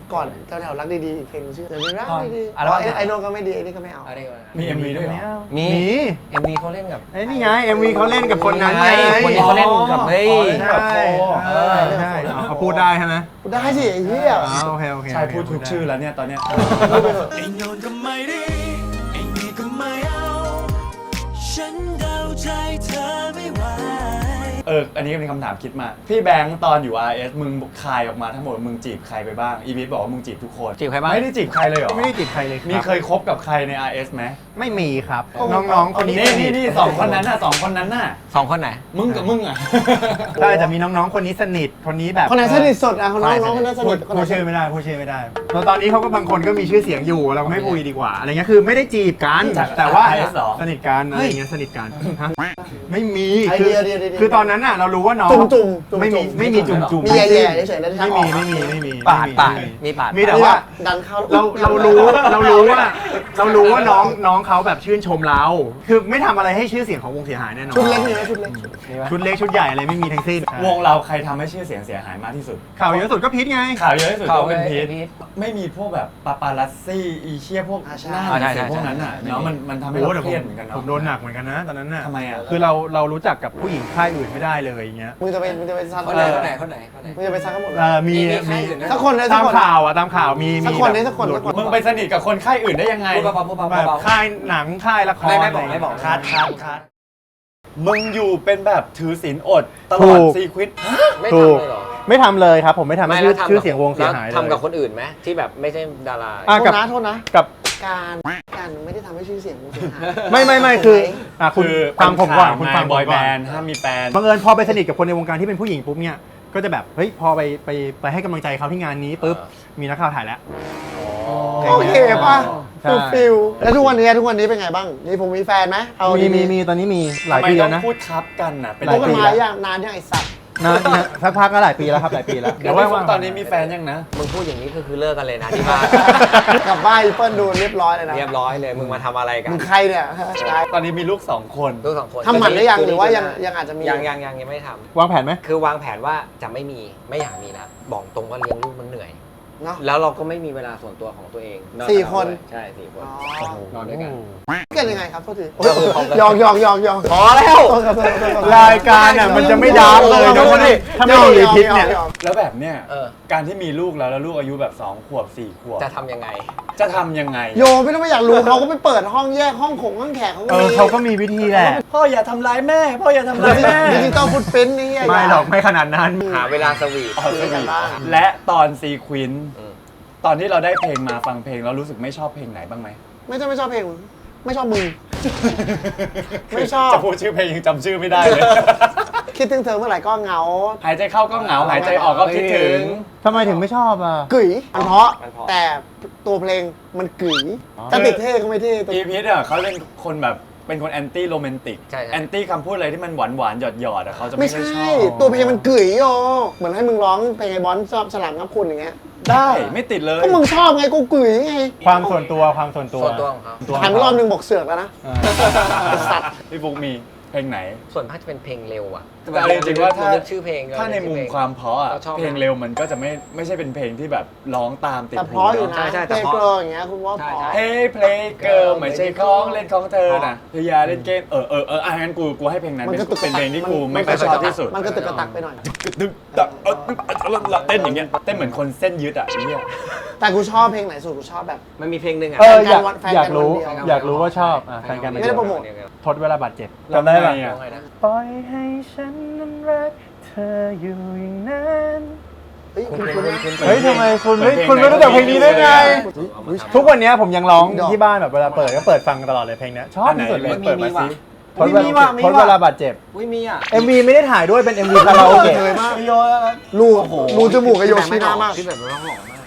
Speaker 3: ก่อนแถวๆรักดีๆอีกเพลงชื่อเดี๋ยวรักดีๆ
Speaker 4: อัลบั้มไหน
Speaker 3: ไอ้โนนก็ไม่ดีไอ้นี่ก็ไม่เอา
Speaker 1: มี MV ด้วยเหรอ
Speaker 4: มี
Speaker 2: มี
Speaker 4: MV เขาเล่นกับ
Speaker 2: ไอ้นี่ไง MV เขาเล่นกับคนนั้นไง
Speaker 4: คนนี้เขาเล่นกับเฮ้ย
Speaker 2: ใช่ใช่เขาพูดได้ใช่ไหม
Speaker 3: กูได้สิไอ้เหี้ย
Speaker 2: โอเคโอเค
Speaker 1: ใช่พูดถูกชื่อแล้วเนี่ยตอนเนี้ย
Speaker 6: ไอ้โนนก็ไม่ดีไอ้นี่ก็ไม่เอา ฉันเดาใจเธอไม่ไหว
Speaker 1: อันนี้ก็เป็นคำถามคิดมา พี่แบงค์ตอนอยู่ RS มึงคายออกมาทั้งหมดมึงจีบใครไปบ้าง อีวิทบอกว่ามึงจีบทุกคน
Speaker 4: จีบใครบ้าง
Speaker 1: ไม่ได้จีบใครเลยเหรอ
Speaker 2: ไม่ได้จีบใครเลย
Speaker 1: มีเคยคบกับใครใน RS ไหม
Speaker 2: ไม่มีครับ น้องๆคนนี้
Speaker 1: นี่สองคนนั้นน่ะสองคนนั้นน่ะ
Speaker 4: สองคนไหน
Speaker 1: มึงกับมึงอ่ะ
Speaker 2: ใช่จะมีน้องๆคนนี้สนิทคนนี้แบบ
Speaker 3: คนไหนสนิทสุดอ่ะคนน้องคนนั้นสนิทคนไหน
Speaker 2: พูดชื่อไม่ได้พูดชื่อไม่ได้แล้วตอนนี้เขาก็บางคนก็มีชื่อเสียงอยู่เราก็ไม่คุยดีกว่าอะไรเงี้ยคือไม่ได้จีบกัน
Speaker 1: จาก
Speaker 2: แต่ว่า
Speaker 1: RS เหรอ
Speaker 2: สนิทกันอะไรเงี้ยสนิทกันฮะไม่มี
Speaker 3: ไอ
Speaker 2: คือ
Speaker 3: เดีย
Speaker 2: คือตอนนั้นน่ะเรารู้ว่าน้อง
Speaker 3: จุ่มๆ
Speaker 2: ไม่มีจุ่ม
Speaker 3: มีแย่ๆเฉยๆแล้ว
Speaker 2: ไม่มี
Speaker 4: ปาดมีปาด
Speaker 2: มีแต่ว่า
Speaker 3: ดันเข้า
Speaker 2: เรารู้ว่าน้องเขาแบบชื่นชมเรา คือไม่ทำอะไรให้ชื่อเสียงของวงเสียหายแน่นอน
Speaker 3: ชุดเล็กนี่นะชุดเล็ก
Speaker 2: ชุดเล็กชุดใหญ่อะไรไม่มีทั้งสิ้น
Speaker 1: วงเราใครทำให้ชื่อเสียงเสียหายมากที่สุด
Speaker 2: ข่าวเยอะสุดก็พีทไง
Speaker 1: ข่าวเยอะที่สุด
Speaker 4: ข่าว
Speaker 1: ก็เป็นพีท
Speaker 4: พีท
Speaker 1: ไม่มีพวกแบบปาปารัสซี่อีเชี่ยพวกหน้า
Speaker 4: ใช่
Speaker 1: เสียพวกนั้นอ่ะเนาะมันทำให้
Speaker 2: โอ้
Speaker 1: เรา
Speaker 2: แต่
Speaker 1: เครียดเหมือนกันเนาะ
Speaker 2: ผมโดนหนักเหมือนกันนะตอนนั้นน่ะ
Speaker 1: ทำไมอ่ะ
Speaker 2: คือเรารู้จักกับผู้หญิงค่ายอื่นไม่ได้เลยอย่างเงี้ย
Speaker 3: มึงจะไปซัด
Speaker 4: คนไหนคนไหนคนไหน
Speaker 3: มึงจะไปซัดกันหมดเลย
Speaker 2: มี
Speaker 4: มีค่ายอื่นด้วย
Speaker 3: สักคนเลยสั
Speaker 2: ตาก ม
Speaker 3: คน
Speaker 2: ข่าวตามข่าวมี
Speaker 3: สักคนนี่
Speaker 2: แบบ
Speaker 3: สักคน
Speaker 2: หลุด
Speaker 3: สักคน
Speaker 1: มึงไปสนิทกับคนค่ายอื่นได้ยังไง
Speaker 4: พูดเบาๆพูด
Speaker 2: แบบ
Speaker 4: เบา
Speaker 2: ค่ายหนังค่ายละคร
Speaker 4: ไม่บอก
Speaker 1: คัดมึงอยู่เป็นแบบถือศีลอดตล
Speaker 2: ถู
Speaker 1: อด
Speaker 2: ก
Speaker 1: ซีควิต
Speaker 4: ไม่
Speaker 2: ถู
Speaker 4: ทำ
Speaker 2: ก
Speaker 4: เลยเหรอ
Speaker 2: ไม่ทำเลยครับ ผมไม่ทำให้
Speaker 4: แล้วทำ
Speaker 2: ชื่อเสียงวงเสียหายเลย
Speaker 4: ทำกับคนอื่นไหมที่แบบไม่ใช่ดารา
Speaker 2: อ่ะ
Speaker 3: โทษนะโทษนะ
Speaker 2: กับ
Speaker 3: การไม่ได้ทำให้ชื่อเสียงมึงเสียหาย
Speaker 2: ไม่คืออ่ะคุณ
Speaker 1: คือ
Speaker 2: ฟังผมก่อนคุณฟัง
Speaker 1: บอย
Speaker 2: ผม
Speaker 1: แบ
Speaker 2: ก่อน
Speaker 1: นด์ห้ามมีแฟน
Speaker 2: บังเอิญพอไปสนิทกับคนในวงการที่เป็นผู้หญิงปุ๊บเนี่ยก็จะแบบเฮ้ยพอไปให้กำลังใจเขาที่งานนี้ปุ๊บมีนักข่าวถ่ายแล้ว
Speaker 3: โอเคป่ะ
Speaker 2: ใช่
Speaker 3: ฟิลแล้วทุกวันนี้เป็นไงบ้างมีแฟนไหมเอา
Speaker 2: มีตอนนี้มีหลาย
Speaker 1: ทำไม
Speaker 2: ปี
Speaker 1: ต้
Speaker 2: แล้
Speaker 1: อ
Speaker 2: ว
Speaker 1: ง
Speaker 2: นะ
Speaker 1: พูดครับกันน่ะเป็น
Speaker 2: หลาย
Speaker 3: พบกัน
Speaker 2: ปี
Speaker 3: มา
Speaker 2: แล้ว
Speaker 3: อย่างนานยังไอ้สัตว์
Speaker 2: นะสักพักก็หลายปีแล้วครับหลายปีแล้ว
Speaker 1: เดี๋ยวว่าตอนนี้มีแฟนยังนะ
Speaker 4: มึงพูดอย่างนี้คือเลิกกันเลยนะที่บ้าน
Speaker 3: กลับบ้านอีเปิ้ลดูเรียบร้อยเลยนะ
Speaker 4: เรียบร้อยเลยมึงมาทำอะไรกัน
Speaker 3: มึงใครเนี่ย
Speaker 1: ตอนนี้มีลูก 2 คน
Speaker 4: ลูกสองคน
Speaker 3: ทำหมันได้ยังหรือว่ายังอาจจะมี
Speaker 4: ยังไม่ได้ท
Speaker 2: วางแผนไหม
Speaker 4: ำคือวางแผนว่าจะไม่อยากมีแล้วบอกตรงว่าเลี้ยงลูกมันเหนื่อย
Speaker 3: เนาะ
Speaker 4: แล้วเราก็ไม่มีเวลาส่วนตัวของตัวเองอก
Speaker 3: สี่
Speaker 4: จาก
Speaker 3: คน
Speaker 4: ด้วยใช่4 คน
Speaker 3: อ๋อ
Speaker 4: นอนด้วยกัน
Speaker 3: กันยังไงครับโทษที
Speaker 4: ก็คือพร้อมกัน
Speaker 3: ยอง
Speaker 4: พอแล้ว
Speaker 2: รายการอ่ะมันจะไม่ดาร์กเลยนะถ้าไม่มีพิษเนี่ย
Speaker 1: แล้วแบบเนี้ย
Speaker 4: เออ
Speaker 1: การที่มีลูกแล้วลูกอายุแบบ2 ขวบ 4 ขวบ
Speaker 4: จะทำยังไง
Speaker 1: จะทำยังไง
Speaker 3: โยไม่ต้องไปอยากรู้เขาก็ไปเปิดห้องแยกห้องแขกเขาก็มี
Speaker 2: เขาก็มีวิธีแหละ
Speaker 1: พ่ออย่าทำร้ายแม่ พ่ออย่าทำร้ายแม่
Speaker 3: ดิจิตอลฟุตปริ้นท์นี่
Speaker 2: ไม่หรอกไม่ขนาดนั้น
Speaker 4: หาเวลาสวีท
Speaker 1: อ๋อสวีทและตอนซีควิน
Speaker 4: อืม
Speaker 1: ตอนที่เราได้เพลงมาฟังเพลงเรารู้สึกไม่ชอบเพลงไหนบ้างไหม
Speaker 3: ไม่ชอบเพลงไม่ชอบมึง ไม่ชอบ
Speaker 1: จะพูดชื่อเพลงยังจำชื่อไม่ได้เลย
Speaker 3: คิดถึงเธอเมื่อไหร่ก็เหงา
Speaker 1: หายใจเข้าก็เหงา หายใจออกก็คิดถึง
Speaker 2: ทำไมถึงไม่ชอบอ่ะ
Speaker 3: กึ๋ยมันเพราะแต่ตัวเพลงมันกึ๋ยจะติดเท่ก็ไม่เท่ตัว
Speaker 1: อีพีทอ่ะเขาเป็นคนแบบเป็นคนแอนตี้โรแมนติก
Speaker 4: ใช่
Speaker 1: แอนตี้คำพูดอะไรที่มันหวานหวานหยอดหยอดอ่ะเขาจะ
Speaker 3: ไม่
Speaker 1: ไม่ค่อย
Speaker 3: ใช่
Speaker 1: ชอบ
Speaker 3: ตัวเพลงมันกึ๋ยโยเหมือนให้มึงร้องเพลงไอ้บอลชอบฉลามงับคุณอย่างเงี้ย
Speaker 1: ได้ไม่ติดเลย
Speaker 3: ก็มึงชอบไงกูกึ๋ยไง
Speaker 2: ความส่วนตัวความส่วนตัว
Speaker 4: ส่วนตัวของเขา
Speaker 3: หันไปรอบนึงบอกเสือกแล้วนะ สัตว์
Speaker 1: พี่บุ๊กมีเพลงไหน
Speaker 4: ส่วนมากจะเป็นเพลงเร็วอ่ะ
Speaker 1: แต่เอาจริงๆว่าถ้า
Speaker 4: เลือกชื่อเพลง
Speaker 1: ถ้าในมุมความเพราะอ่ะ
Speaker 4: เราชอบ
Speaker 1: เพลงเร็วมันก็จะไม่ใช่เป็นเพลงที่แบบร้องตามติด
Speaker 3: แต่
Speaker 1: หู
Speaker 3: เพราะอยู่นะ
Speaker 4: ใช่
Speaker 3: เพ
Speaker 4: แต่
Speaker 3: ลง
Speaker 4: เพราะ
Speaker 3: เกลออย่างเงี้ยคุณว่าเพราะ
Speaker 1: เฮ้ยเพลงเกิร์ลไม่ใช่ของเล่นของเธอนะเธออย่าเล่นเกมงั้นกูให้เพลงนั้น
Speaker 3: มัน
Speaker 1: เป็น
Speaker 3: กระตุกก
Speaker 1: เป็
Speaker 3: ระ
Speaker 1: น
Speaker 3: ตัก
Speaker 1: เพลงที่กู
Speaker 3: มัน
Speaker 1: ไม่ค่อยชอบที่สุด
Speaker 3: มันกระตุกกระตักไปหน่อย
Speaker 1: ดึกเต้นอย่างเงี้ยเต้นเหมือนคนเส้นยึดอ่ะไอ้เนี่ย
Speaker 3: แต่กูชอบเพลงไหนสุดกูชอบแบบ
Speaker 4: มันมีเพลงหนึ่งอ่ะ
Speaker 3: แฟนกัน
Speaker 2: อยากรู้
Speaker 3: วันเดียว
Speaker 2: อยากรู้ว่าชอบแฟนกัน
Speaker 3: ไม่ได้โปรโมท
Speaker 2: ทดเวลาบาดเจ็บจำได้ปะ
Speaker 1: ไง
Speaker 4: ไงนะ
Speaker 2: ปล่อยให้ฉันนั้นรักเธออยู่อย่างนั้น
Speaker 3: เฮ้ยคุณนะ
Speaker 2: เฮ้ยทำไมคุณไม่รู้จักเพลงนี้ได้ไง ทุกวันนี้ผมยังร้องที่บ้านแบบเวลาเปิดก็เปิดฟังตลอดเลยเพลงนี้ชอบที่สุดเลย
Speaker 1: เปิดมาซิ
Speaker 2: ทดเวลาบาดเจ็บ
Speaker 4: อุ้ยมีอ่ะ
Speaker 2: MV ไม่ได้ถ่ายด้วยเป็น MV คาราโอเกะ
Speaker 3: เคยมากรูจมูกกับโยชิน่ามาก
Speaker 4: ที่แบบร้องหล่อมาก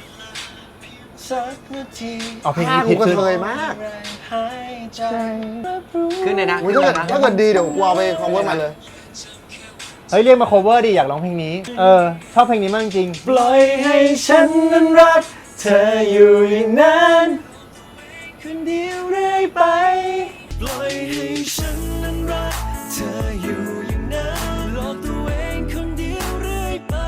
Speaker 2: เอาเพลง
Speaker 3: ท่า
Speaker 2: นี้
Speaker 3: กู
Speaker 2: คิด
Speaker 3: ก็
Speaker 2: ขึ้น
Speaker 3: เคยมาก
Speaker 4: ขึ้นเลยนะ
Speaker 3: อุ๊ยถ้าเกิดดีเดี๋ยวกูเอาไป cover มาเลย
Speaker 2: เฮ้ยเรียกมา cover ดิอยากร้องเพลงนี้ชอบเพลงนี้มากจริง
Speaker 1: ปล่อยให้ฉันนั้นรักเธออยู่อย่างนั้นคนเดียวเรื่อยไป
Speaker 6: ปล่อยให้ฉันนั้นรักเธออยู่อย่างนั้นหลอกตัวเองคนเดียวเรื่อยไป
Speaker 2: ช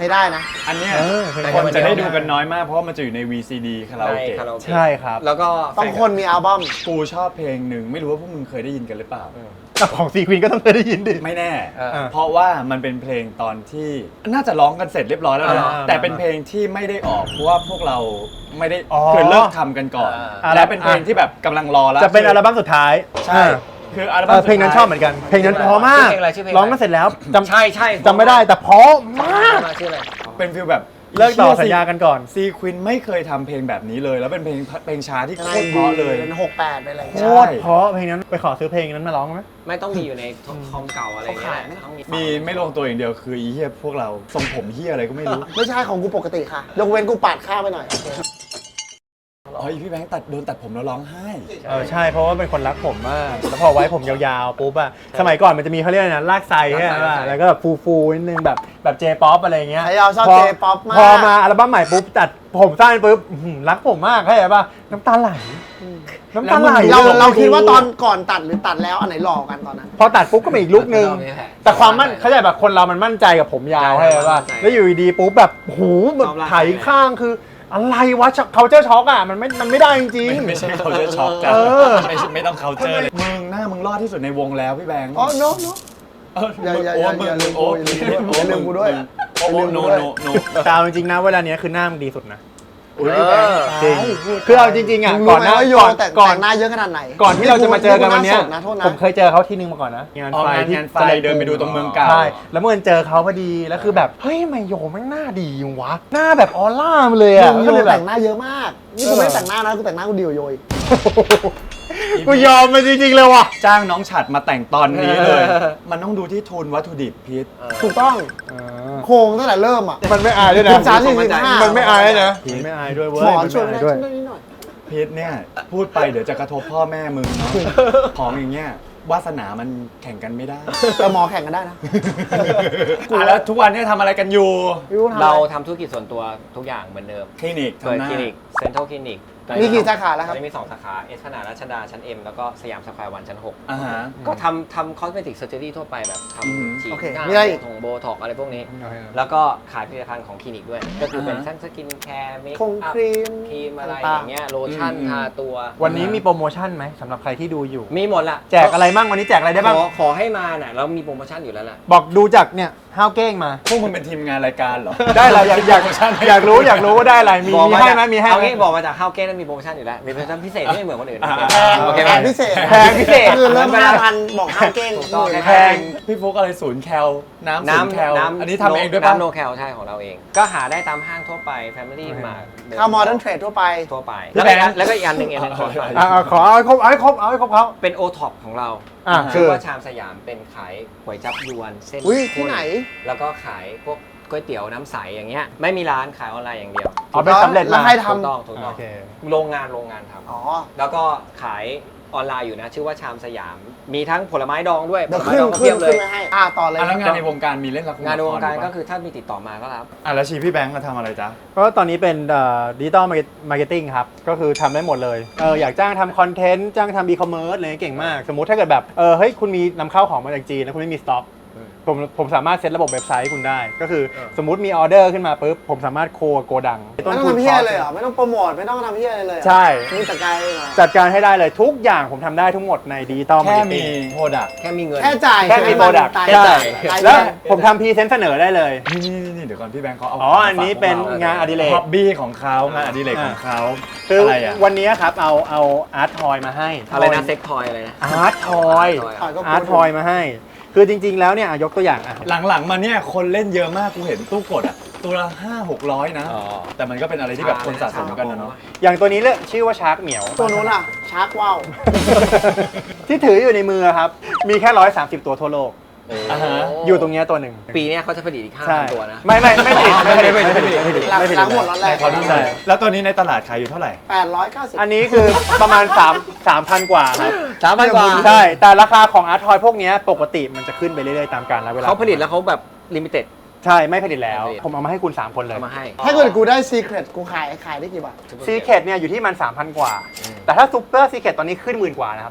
Speaker 3: ช้ได้นะ
Speaker 1: อันเนี้ย
Speaker 2: เพลง
Speaker 1: คนจะได้ดูกันน้อยมากเพราะว่ามันจะอยู่ใน VCD คาราโอ
Speaker 4: ใน
Speaker 1: เกะ
Speaker 4: คาราโอเกะ
Speaker 2: ใช่ครับ
Speaker 4: แล้วก็
Speaker 3: ต้องคนมีอัลบั้ม
Speaker 1: กูชอบเพลงหนึ่งไม่รู้ว่าพวกมึงเคยได้ยินกันหรือเปล่า
Speaker 2: ของซีควีนก็ต้องเคยได้ยินดิ
Speaker 1: ไม่แน่
Speaker 4: เออ
Speaker 1: เพราะว่ามันเป็นเพลงตอนที่น่าจะร้องกันเสร็จเรียบร้อยแล้วนะ
Speaker 2: อ่า
Speaker 1: แต่เป็นเพลงที่ไม่ได้ออกเพราะว่าพวกเราไม่ได้
Speaker 2: อ๋อ
Speaker 1: คือเลิกทำกันก่อน
Speaker 2: อ่า
Speaker 1: และเป็นเพลงที่แบบกำลังรอแล้ว
Speaker 2: จะเป็นอัลบั้มสุดท้าย
Speaker 1: ใช่คืออัลบั้มสุดท้าย
Speaker 2: เพลงนั้นชอบเหมือนกัน เพลงนั้นเพราะมาก
Speaker 4: ชื่อเพลงอะไรชื่อเพลงอะไร
Speaker 2: ร้องกันเสร็จแล้วจำ
Speaker 4: ใช่ใช่
Speaker 2: จำไม่ได้แต่เพราะมาก
Speaker 4: ชื่ออะไร
Speaker 1: เป็นฟิลแบบ
Speaker 2: เลิกต่อสัญญากันก่อน
Speaker 1: ซีควินไม่เคยทำเพลงแบบนี้เลย แล้วเป็นเพลงช้าที่โคตรเพราะเลย
Speaker 3: เป็น68เป็นอะไร
Speaker 2: โคตรเพราะเพลงนั้นไปขอซื้อเพลงนั้นมาร้องไหม
Speaker 4: ไม่ต้องมีอยู่ในคอมเก่าอะไรเงี้ยแหละต้อง
Speaker 1: มีไม่ลงตัวอย่างเดียวคืออีเหี้ยพวกเราทรงผมเหี้ยอะไรก็ไม่รู้
Speaker 3: ไม่ใช่ของกูปกติค่ะ ยกเว้นกูปาดข้าวไปหน่อย
Speaker 1: อ๋ออีพี่แบงค์โดนตัดผมแล้วร้องไห้
Speaker 2: ใช่เพราะว่าเป็นคนรักผมมาก แล้วพอไว้ผมยาวๆปุ๊บอะสมัยก่อนมันจะมีเขาเรียกอะไรนะลากไซใช่ไหมแล้วก็แบบฟูๆนิดนึงแบบเจป๊อปอะไรเงี้ย
Speaker 3: ไอ้เราชอบ J-pop มาก
Speaker 2: พอมาอัลบั้มใหม่ปุ๊บตัดผมสั้นปุ๊บรักผมมากเข้าใจป่ะน้ำตาไหลน้ำตาไหล
Speaker 3: เราคิดว่าตอนก่อนตัดหรือตัดแล้วอันไหนหล่อกันตอนนั้น
Speaker 2: พอตัดปุ๊บก็มีอีกลุกนึงแต่ความมั่นเขาใจแบบคนเรามันมั่นใจกับผมยาวให้ป่ะแล้วอยู่ดีๆปุ๊บแบบหูแบบไถข้างคืออะไรวะเขาเจอช็อกอ่ะมันไม่ได้จริงๆ
Speaker 1: ไม่ใช่เขาจะช็อกจ้ะ
Speaker 2: เออ
Speaker 1: ไม่ต้องเขาเจอเลยมึงหน้ามึงรอดที่สุดในวงแล้วพี่แบงค์
Speaker 3: อ๋อโน้โน้
Speaker 1: เออ
Speaker 3: อย่า
Speaker 1: โอ้
Speaker 3: อย่า
Speaker 1: มึง
Speaker 3: อย่า
Speaker 1: โอ้
Speaker 3: อย่าลืมกูด้วย
Speaker 1: โอ้
Speaker 3: อย่าลืมกู
Speaker 1: โน
Speaker 3: ด้วย
Speaker 1: โน
Speaker 2: ตามจริงๆนะเวลาเนี้ยคือหน้ามึงดีสุดนะ
Speaker 1: อุ้ยพี่แบงค์
Speaker 2: จริงคือเอาจริงๆอ่ะ
Speaker 3: มึง
Speaker 2: ก่
Speaker 3: รู้
Speaker 2: อน
Speaker 3: ไหม
Speaker 2: หน้า
Speaker 3: ว่าโย
Speaker 2: ก่อน
Speaker 3: แต่
Speaker 2: ก่อน
Speaker 3: งหน้าเยอะขนาดไหน
Speaker 2: ก่อนที่เราจะมาเจอกันวันเนี้ย
Speaker 3: กูหาสดนะโทษนะ
Speaker 2: ผมเคยเจอเขาที่นึงมาก่อนนะงาน
Speaker 1: อ๋อ
Speaker 2: ไฟที่
Speaker 1: งานไฟเดินไปดูตรงเมืองเก่า
Speaker 2: ใช่แล้วเมื่อเจอเขาพอดีแล้วคือแบบเฮ้ยทำไมโยแม่งหน้าดีวะหน้าแบบออร่ามาเลยอ่ะ
Speaker 3: มึง
Speaker 2: ก็เลยแบ
Speaker 3: แต่
Speaker 2: บ
Speaker 3: งหน้าเยอะมาก นี่กูไม่ได้แต่งหน้านะกูแต่งหน้ากูดีกว่าโยอีก
Speaker 2: กูยอมมันจริงๆเลยว่ะ
Speaker 1: จ้างน้องฉัดมาแต่งตอนนี้เลย มันต้องดูที่ทุนวัตถุดิบพีท
Speaker 3: ถูกต้องโครงตั้งแต่เริ่มอ่ะ
Speaker 2: มันไม่อายด้วยนะ
Speaker 3: 13-45
Speaker 2: มันไม่อายนะไม่อายด้วยเว้ย
Speaker 3: หมอช่วย
Speaker 2: ไม่
Speaker 3: ไม่
Speaker 2: อา
Speaker 3: ได้
Speaker 2: ด้วย
Speaker 3: ช่วยนิดหน่อย
Speaker 1: พีทเนี่ยพูดไปเดี๋ยวจะกระทบพ่อแม่มึงเนาะของอย่างเงี้ยวาสนามันแข่งกันไม่ได้
Speaker 3: แต่หมอแข่งกันได้นะ
Speaker 1: แล้วทุกวันนี้ทำอะไรกันอยู่
Speaker 3: ไม่รู้ทำอะไร
Speaker 4: เราทำธุรกิจส่วนตัวทุกอย่างเหมือนเดิม
Speaker 1: คลินิก
Speaker 4: เปิด
Speaker 1: ทำหน้า
Speaker 4: คลินิกเซ็นทรัลคลินิก
Speaker 3: มีกี่สาขาแล้วครับ
Speaker 4: ตอนนี้มี2 สาขาเอสพนารัชดาชั้น M แล้วก็สยามสแควร์วันชั้น 6
Speaker 1: อ่าฮะ
Speaker 4: ก็ทำคอสเมติกเซอร์เจอรี่ทั่วไปแบบ
Speaker 1: อืม
Speaker 4: ทำฉีด
Speaker 3: โอเค
Speaker 4: หน้า
Speaker 3: มีอะไรอีก
Speaker 4: โบท็อกอะไรพวกนี้ แล้วก็ขายผลิตภัณฑ์ของคลินิกด้วย ก็คือเป็นทั้งสกินแคร์เมค
Speaker 3: คง
Speaker 4: อัพ
Speaker 3: ครีม
Speaker 4: ครีมอะไร
Speaker 3: ต่างๆ
Speaker 4: อย่างเงี้ยโลชั่นทาตัว
Speaker 2: วันนี้มีโปรโมชั่นไหมสำหรับใครที่ดูอยู่
Speaker 4: มีหมดละ
Speaker 2: แจกอะไรบ้างวันนี้แจกอะไรได้บ้าง
Speaker 4: ขอให้มาน่ะเรามีโปรโมชั่นอยู่แล้วล่ะ
Speaker 2: บอกดูจากเนี่ยห้าวเก้งมา
Speaker 1: พวกมึงเป็นทีมงานรายการเหรอ
Speaker 2: ได้อะไรอยาก
Speaker 1: โปรโมชั่นให้
Speaker 2: อยากรู้ว่าได้อะไรมี
Speaker 4: บอก
Speaker 2: มี
Speaker 4: มา
Speaker 2: ให้
Speaker 4: จาก
Speaker 2: ไหมมีให้
Speaker 4: เอา
Speaker 2: ไหม
Speaker 4: งี้บอกมาจากข้าวเก้แล้วมีโปรโมชั่นอยู่แล้วมีโปรโมชั่นพิเศษที่ไม่เหมือนคนอื่น
Speaker 1: อ่า
Speaker 4: โอเคไหม
Speaker 3: แพงพิเศษ
Speaker 2: แพงพิเศษ
Speaker 3: คือเริ่ม5,000บอกห้าเก้ง
Speaker 4: ถูกต้อง
Speaker 2: แพง
Speaker 1: พี่ฟุกอะไรศูนย์แคลน้ำศูนย์แคลอันนี้ทำเองด้วยปะ
Speaker 4: น้ำโนแคลใช่ของเราเอง ก็หาได้ตามห้างทั่วไป Family มา
Speaker 3: เข้าโมเดิร์นเทรดทั่วไป
Speaker 4: ทั่วไป
Speaker 1: พี่
Speaker 4: แล้ว
Speaker 1: แบ
Speaker 4: ก็
Speaker 1: งค์
Speaker 4: แล้วก็อีกอันหนึ่งขอฝาก
Speaker 2: ขอเอาให้ครบเอาให้ครบเขา
Speaker 4: เป็นโอท็อปของเรา
Speaker 2: คื
Speaker 4: ชื่
Speaker 2: อ
Speaker 4: อว่าชามสยามเป็นขายก๋วยจับยวนเส้น
Speaker 3: อุ้ย
Speaker 4: ข้
Speaker 3: ที่ไหน
Speaker 4: แล้วก็ขายพวกก๋วยเตี๋ยวน้ำใสอย่างเงี้ยไม่มีร้านขายออนไลน์อย่างเดียว
Speaker 2: เอาเป็นสำเร็จ
Speaker 3: แล้ว
Speaker 2: มา
Speaker 3: ใคร
Speaker 4: ถูก
Speaker 3: ทำ
Speaker 4: ต้องถูกต้
Speaker 2: โอ
Speaker 4: อง
Speaker 2: เค
Speaker 4: โรงงานท
Speaker 3: อ๋อ
Speaker 4: ำแล้วก็ขายออนไลน์อยู่นะ ชื่อว่าชามสยาม มีทั้งผลไม้ดองด้วยผ
Speaker 3: เดี๋ยว
Speaker 4: ลไม้
Speaker 3: ขึ้น
Speaker 4: ดองก็
Speaker 3: ขึ้
Speaker 4: เพี
Speaker 3: น
Speaker 4: ยบเล
Speaker 3: ขึ้น
Speaker 4: ย
Speaker 3: มาให้ต่อเลย
Speaker 1: แล้วงานในวงการมีเล่นละครง
Speaker 4: านในวงการ
Speaker 1: ละค
Speaker 4: ก็
Speaker 1: ปะ
Speaker 4: คือถ้ามีติดต่อมาก็รับ
Speaker 1: แล้วชีพี่แบงค์มาทำอะไรจ๊ะ
Speaker 2: ก็ตอนนี้เป็นดิจิตอลมาร์เก็ตติ้งครับ ก็คือทำได้หมดเลยอยากจ้างทำคอนเทนต์จ้างทำอีคอมเมิร์ซอะไรเก่งมาก สมมุติถ้าเกิดแบบเฮ้ยคุณมีนำเข้าของมาจากจีนแล้วคุณไม่มีสต็อกผมสามารถเซตระบบเว็บไซต์ให้คุณได้ ก็คือสมมุติมีออเดอร์ขึ้นมาปุ๊บผมสามารถโคโกดัง
Speaker 3: ไม่ต้องทำเพี้ยเลยเหรอ ไม่ต้องโปรโมทไม่ต้องทำเพี้ยอะไรเลยเหรอ
Speaker 2: ใช่
Speaker 3: มึงจัดการเลยเหรอ
Speaker 2: จัดการให้ได้เลยทุกอย่างผมทำได้ทั้งหมดในดิจิตอลมา
Speaker 1: แค่
Speaker 2: ร์เก็ต
Speaker 1: มี
Speaker 2: ติ้ง
Speaker 1: โปรดักต์
Speaker 4: แค่มีเงิน
Speaker 3: แค่จ่าย
Speaker 2: แค่มี product
Speaker 3: ตาย
Speaker 2: แค่จ่าย
Speaker 3: ตาย
Speaker 2: แล้ว
Speaker 3: เลย
Speaker 2: ผมทำพรีเซนต์เสนอได้เลย
Speaker 1: นี่เดี๋ยวก่อนพี่แบงค์เขาเอา
Speaker 2: อันนี้เป็นงานอดิเรก
Speaker 1: ฮ็อบบี้ของเขางานอดิเรกของเขา
Speaker 2: คือ
Speaker 1: อะไรอ่ะ
Speaker 2: วันนี้ครับเอาอาร์ตทอยมาให้
Speaker 4: อะไรนะเซ็กทอยอะไรนะ
Speaker 2: อาร์ตทอย
Speaker 3: ถอยก็
Speaker 2: อาร์ตทอยมาให้ คือจริง ๆ แล้วเนี่ยยกตัวอย่างอ่ะ
Speaker 1: หลังๆมาเนี่ยคนเล่นเยอะมากกูเห็นตู้กดอ่ะตัวละ500-600นะ
Speaker 4: อ๋อ
Speaker 1: แต่มันก็เป็นอะไรที่แบบคนสะสมกันนะเนาะ
Speaker 2: อย่างตัวนี้เรียกชื่อว่าชาร์กเหมียว
Speaker 3: ตัวนู้นอ่ะ ชาร์กว่าว
Speaker 2: ที่ถืออยู่ในมือครับ มีแค่130 ตัวทั่วโลก
Speaker 1: อ่าฮะ
Speaker 2: อยู่ตรงเนี้ยตัวหนึ่ง
Speaker 4: ปีเนี้ยเขาจะผลิตอีก
Speaker 2: ใช่
Speaker 4: 5,000 ตัวนะ
Speaker 2: ไม่ผลิตไม่ผลิต
Speaker 3: หลังหมดร้อนแรก
Speaker 1: เขาที่ใส่แล้วตัวนี้ในตลาดขายอยู่เท่าไหร่
Speaker 3: 890
Speaker 2: อันนี้คือประมาณ3,000 กว่าครับ
Speaker 4: 3,000 กว่า
Speaker 2: ใช่ แต่ราคาของอาร์ตทอยพวกเนี้ยปกติมันจะขึ้นไปเรื่อยๆตามกาลเวลา
Speaker 4: เขาผลิตแล้วเขาแบบลิมิเต็ด
Speaker 2: ใช่ไม่ผลิตแล้ว
Speaker 4: ไม่ผลิต
Speaker 2: ผมเอามาให้คุณ 3 คนเลย
Speaker 4: เอามาให้
Speaker 3: ถ้าเกิดกูได้ซีเครตกูขายได้กี่บาท
Speaker 2: ซีเคทเนี่ยอยู่ที่มัน 3,000 กว่า แต่ถ้าซูเปอร์ซีเคทตอนนี้ขึ้น10,000 กว่านะครับ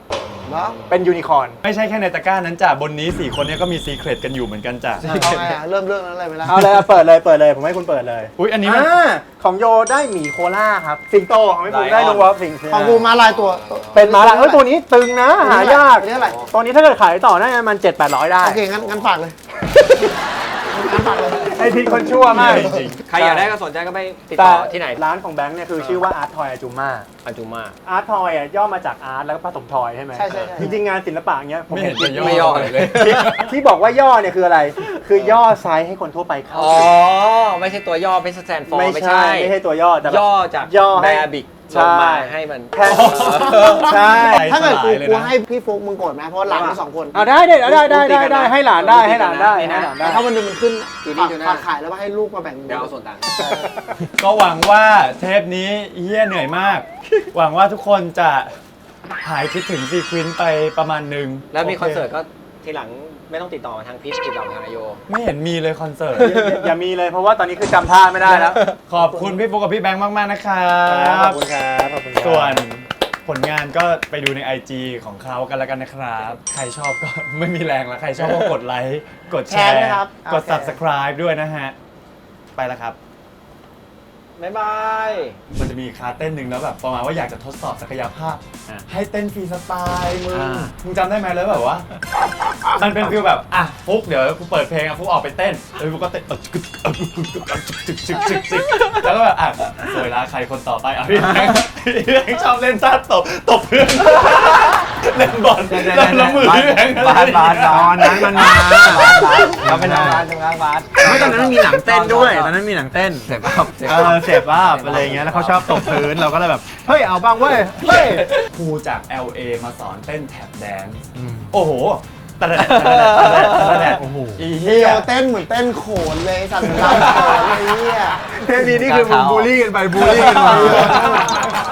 Speaker 3: เหรอ
Speaker 2: เป็นยูนิคอร์น
Speaker 1: ไม่ใช่แค่ในตะกร้านั้นจ้ะบนนี้4คนเนี้ก็มีซีเครตกันอยู่เหมือนกันจ้ะ
Speaker 3: เอาไงอะเริ่มเรื่องนั้นเลยไหมล่ะ
Speaker 2: เอาเลยเปิดเลยผมให้คุณเปิดเลย
Speaker 1: อุ้ยอันนี้มัน
Speaker 2: ของโยได้หมีโคล่าครับสิงโตของพี่ฟุกได้ดูว่าสิง
Speaker 3: ของกูมาลายตัว
Speaker 2: เป็นม้าลายตัวนี้ตึงนะหายาก
Speaker 3: อันนี้อะไร
Speaker 2: ตัวนี้ถ้าเกิดขายต่อได้มัน 700-800 ได้
Speaker 3: โอเคงั้นฝากเลยงั้นฝากเลย
Speaker 2: ไอพิษคนชั่วมาก
Speaker 1: จริง
Speaker 4: ใครอยากได้ก็สนใจก็ไปติด
Speaker 2: แต่
Speaker 4: ต่อที่ไหน
Speaker 2: ร้านของแบงค์เนี่ยคือชื่อว่าอาร์ตทอยอาจูมา
Speaker 4: อาจุมา
Speaker 2: อาร์ตทอยย่อมาจากอาร์ตแล้วก็ผสมทอยใช่ไหม
Speaker 3: ใช่
Speaker 2: จริงๆงานศิลปะเงี้ยผม
Speaker 1: ไม่เห็น
Speaker 2: คิด
Speaker 1: จะ
Speaker 4: ไม่ย่
Speaker 1: ย่
Speaker 4: อ
Speaker 1: อ
Speaker 4: เล
Speaker 1: เลย ย
Speaker 2: ที่บอกว่าย่อเนี่ยคืออะไร คือย่อไซส์ให้คนทั่วไปเข้า
Speaker 4: อ๋อ ไม่ใช่ตัวย่อเป็นสแตนฟอร์
Speaker 2: ไม่ใช่ตัวย่อแต่แบบ
Speaker 4: ย่อจาก
Speaker 2: ย่อให้
Speaker 4: แบบิก
Speaker 2: ใช่
Speaker 4: ลงมาให้มัน
Speaker 2: แค่ใช่
Speaker 3: ถ้าเกิด
Speaker 1: สลายเลยนะ
Speaker 3: กูให้พี่ฟุกมึงโกรธไหมเพราะหลานมี2 คน
Speaker 2: เอาได้ให้หลานได้ให้หลานได้
Speaker 3: แต่ถ้าวันหนึงมันขึ้น
Speaker 4: จูดี้จูน่า
Speaker 3: ฝากขายแล้วว่าให้ลูกมาแบ่ง
Speaker 4: เดี๋ยวเอาส่วนต่าง
Speaker 1: ก็หวังว่าเทปนี้เฮียเหนื่อยมาก หวังว่าทุกคนจะหายคิดถึงซีควินไปประมาณหนึง
Speaker 4: แล้วมี
Speaker 1: โ
Speaker 4: คอนเสิร์ตก็ทีหลังไม่ต้องติดต่อมาทางพิษติดต่อมาทางนายโย
Speaker 1: ไม่เห็นมีเลยคอนเสิร์ต
Speaker 2: อย่ามีเลยเพราะว่าตอนนี้คือจำท่าไม่ได้แล้ว
Speaker 1: ขอบคุณพี่ฟุกกับพี่แบงค์มากๆนะครั
Speaker 2: ขอบบ คุณครับขอบคุณครับ
Speaker 1: ส่วนผลงานก็ไปดูใน IG ของเขากันแล้วกันนะครับ ใครชอบก็ ไม่มีแรงแล้ว ใครชอบก็กดไลค์ กดแช
Speaker 3: แชร์
Speaker 1: ร์
Speaker 3: ด้วยครับ
Speaker 1: กด
Speaker 3: โอเค
Speaker 1: subscribe ด้วยนะฮะ ไปแล้วครับ
Speaker 4: บ๊ายบาย
Speaker 1: มันจะมีคาเต้นหนึ่งแล้วแบบประมาณว่าอยากจะทดสอบศักยภาพ ให้เต้นฟรีสไตล์มึงจำได้ไหมแล้วแบบว่า มันเป็นฟิลแบบอ่ะฟุกเดี๋ยวกูเปิดเพลงอ่ะฟุกออกไปเต้นแล้วฟุกก็เต้นแล้วก็แบบอ่ะสวยละใครคนต่อไปอ่ะพี่แบงค์ชอบเล่นท่าตบเพื่อนเล่นบอลแล้วมือพี่แบงค์
Speaker 2: บาสตอนนั้นมันมาเราเป็นบาสไม่ตอนนั้นมันมีหนังเต้นด้วยตอนนั้นมีหนังเต้น
Speaker 4: เสร็จป่ะ
Speaker 2: เสพอัพอะไรเงี้ยแล้วเขาชอบตบพื้นเราก็เลยแบบเฮ้ยเอาบ้างเว้ยเฮ้ย
Speaker 1: ครูจาก LA มาสอนเต้นแท็บแดนซ์
Speaker 2: อืม
Speaker 1: โอ้โหตะแดดโอ้โหอีเหี้
Speaker 3: เฮี
Speaker 1: ย
Speaker 3: ยเต้นเหมือนเต้นโขนเลยสัตว์ลำโขนเลยเฮีย
Speaker 2: เทปนี้นี่คือมึงบูลลี่กันไปบูลลี่กันมา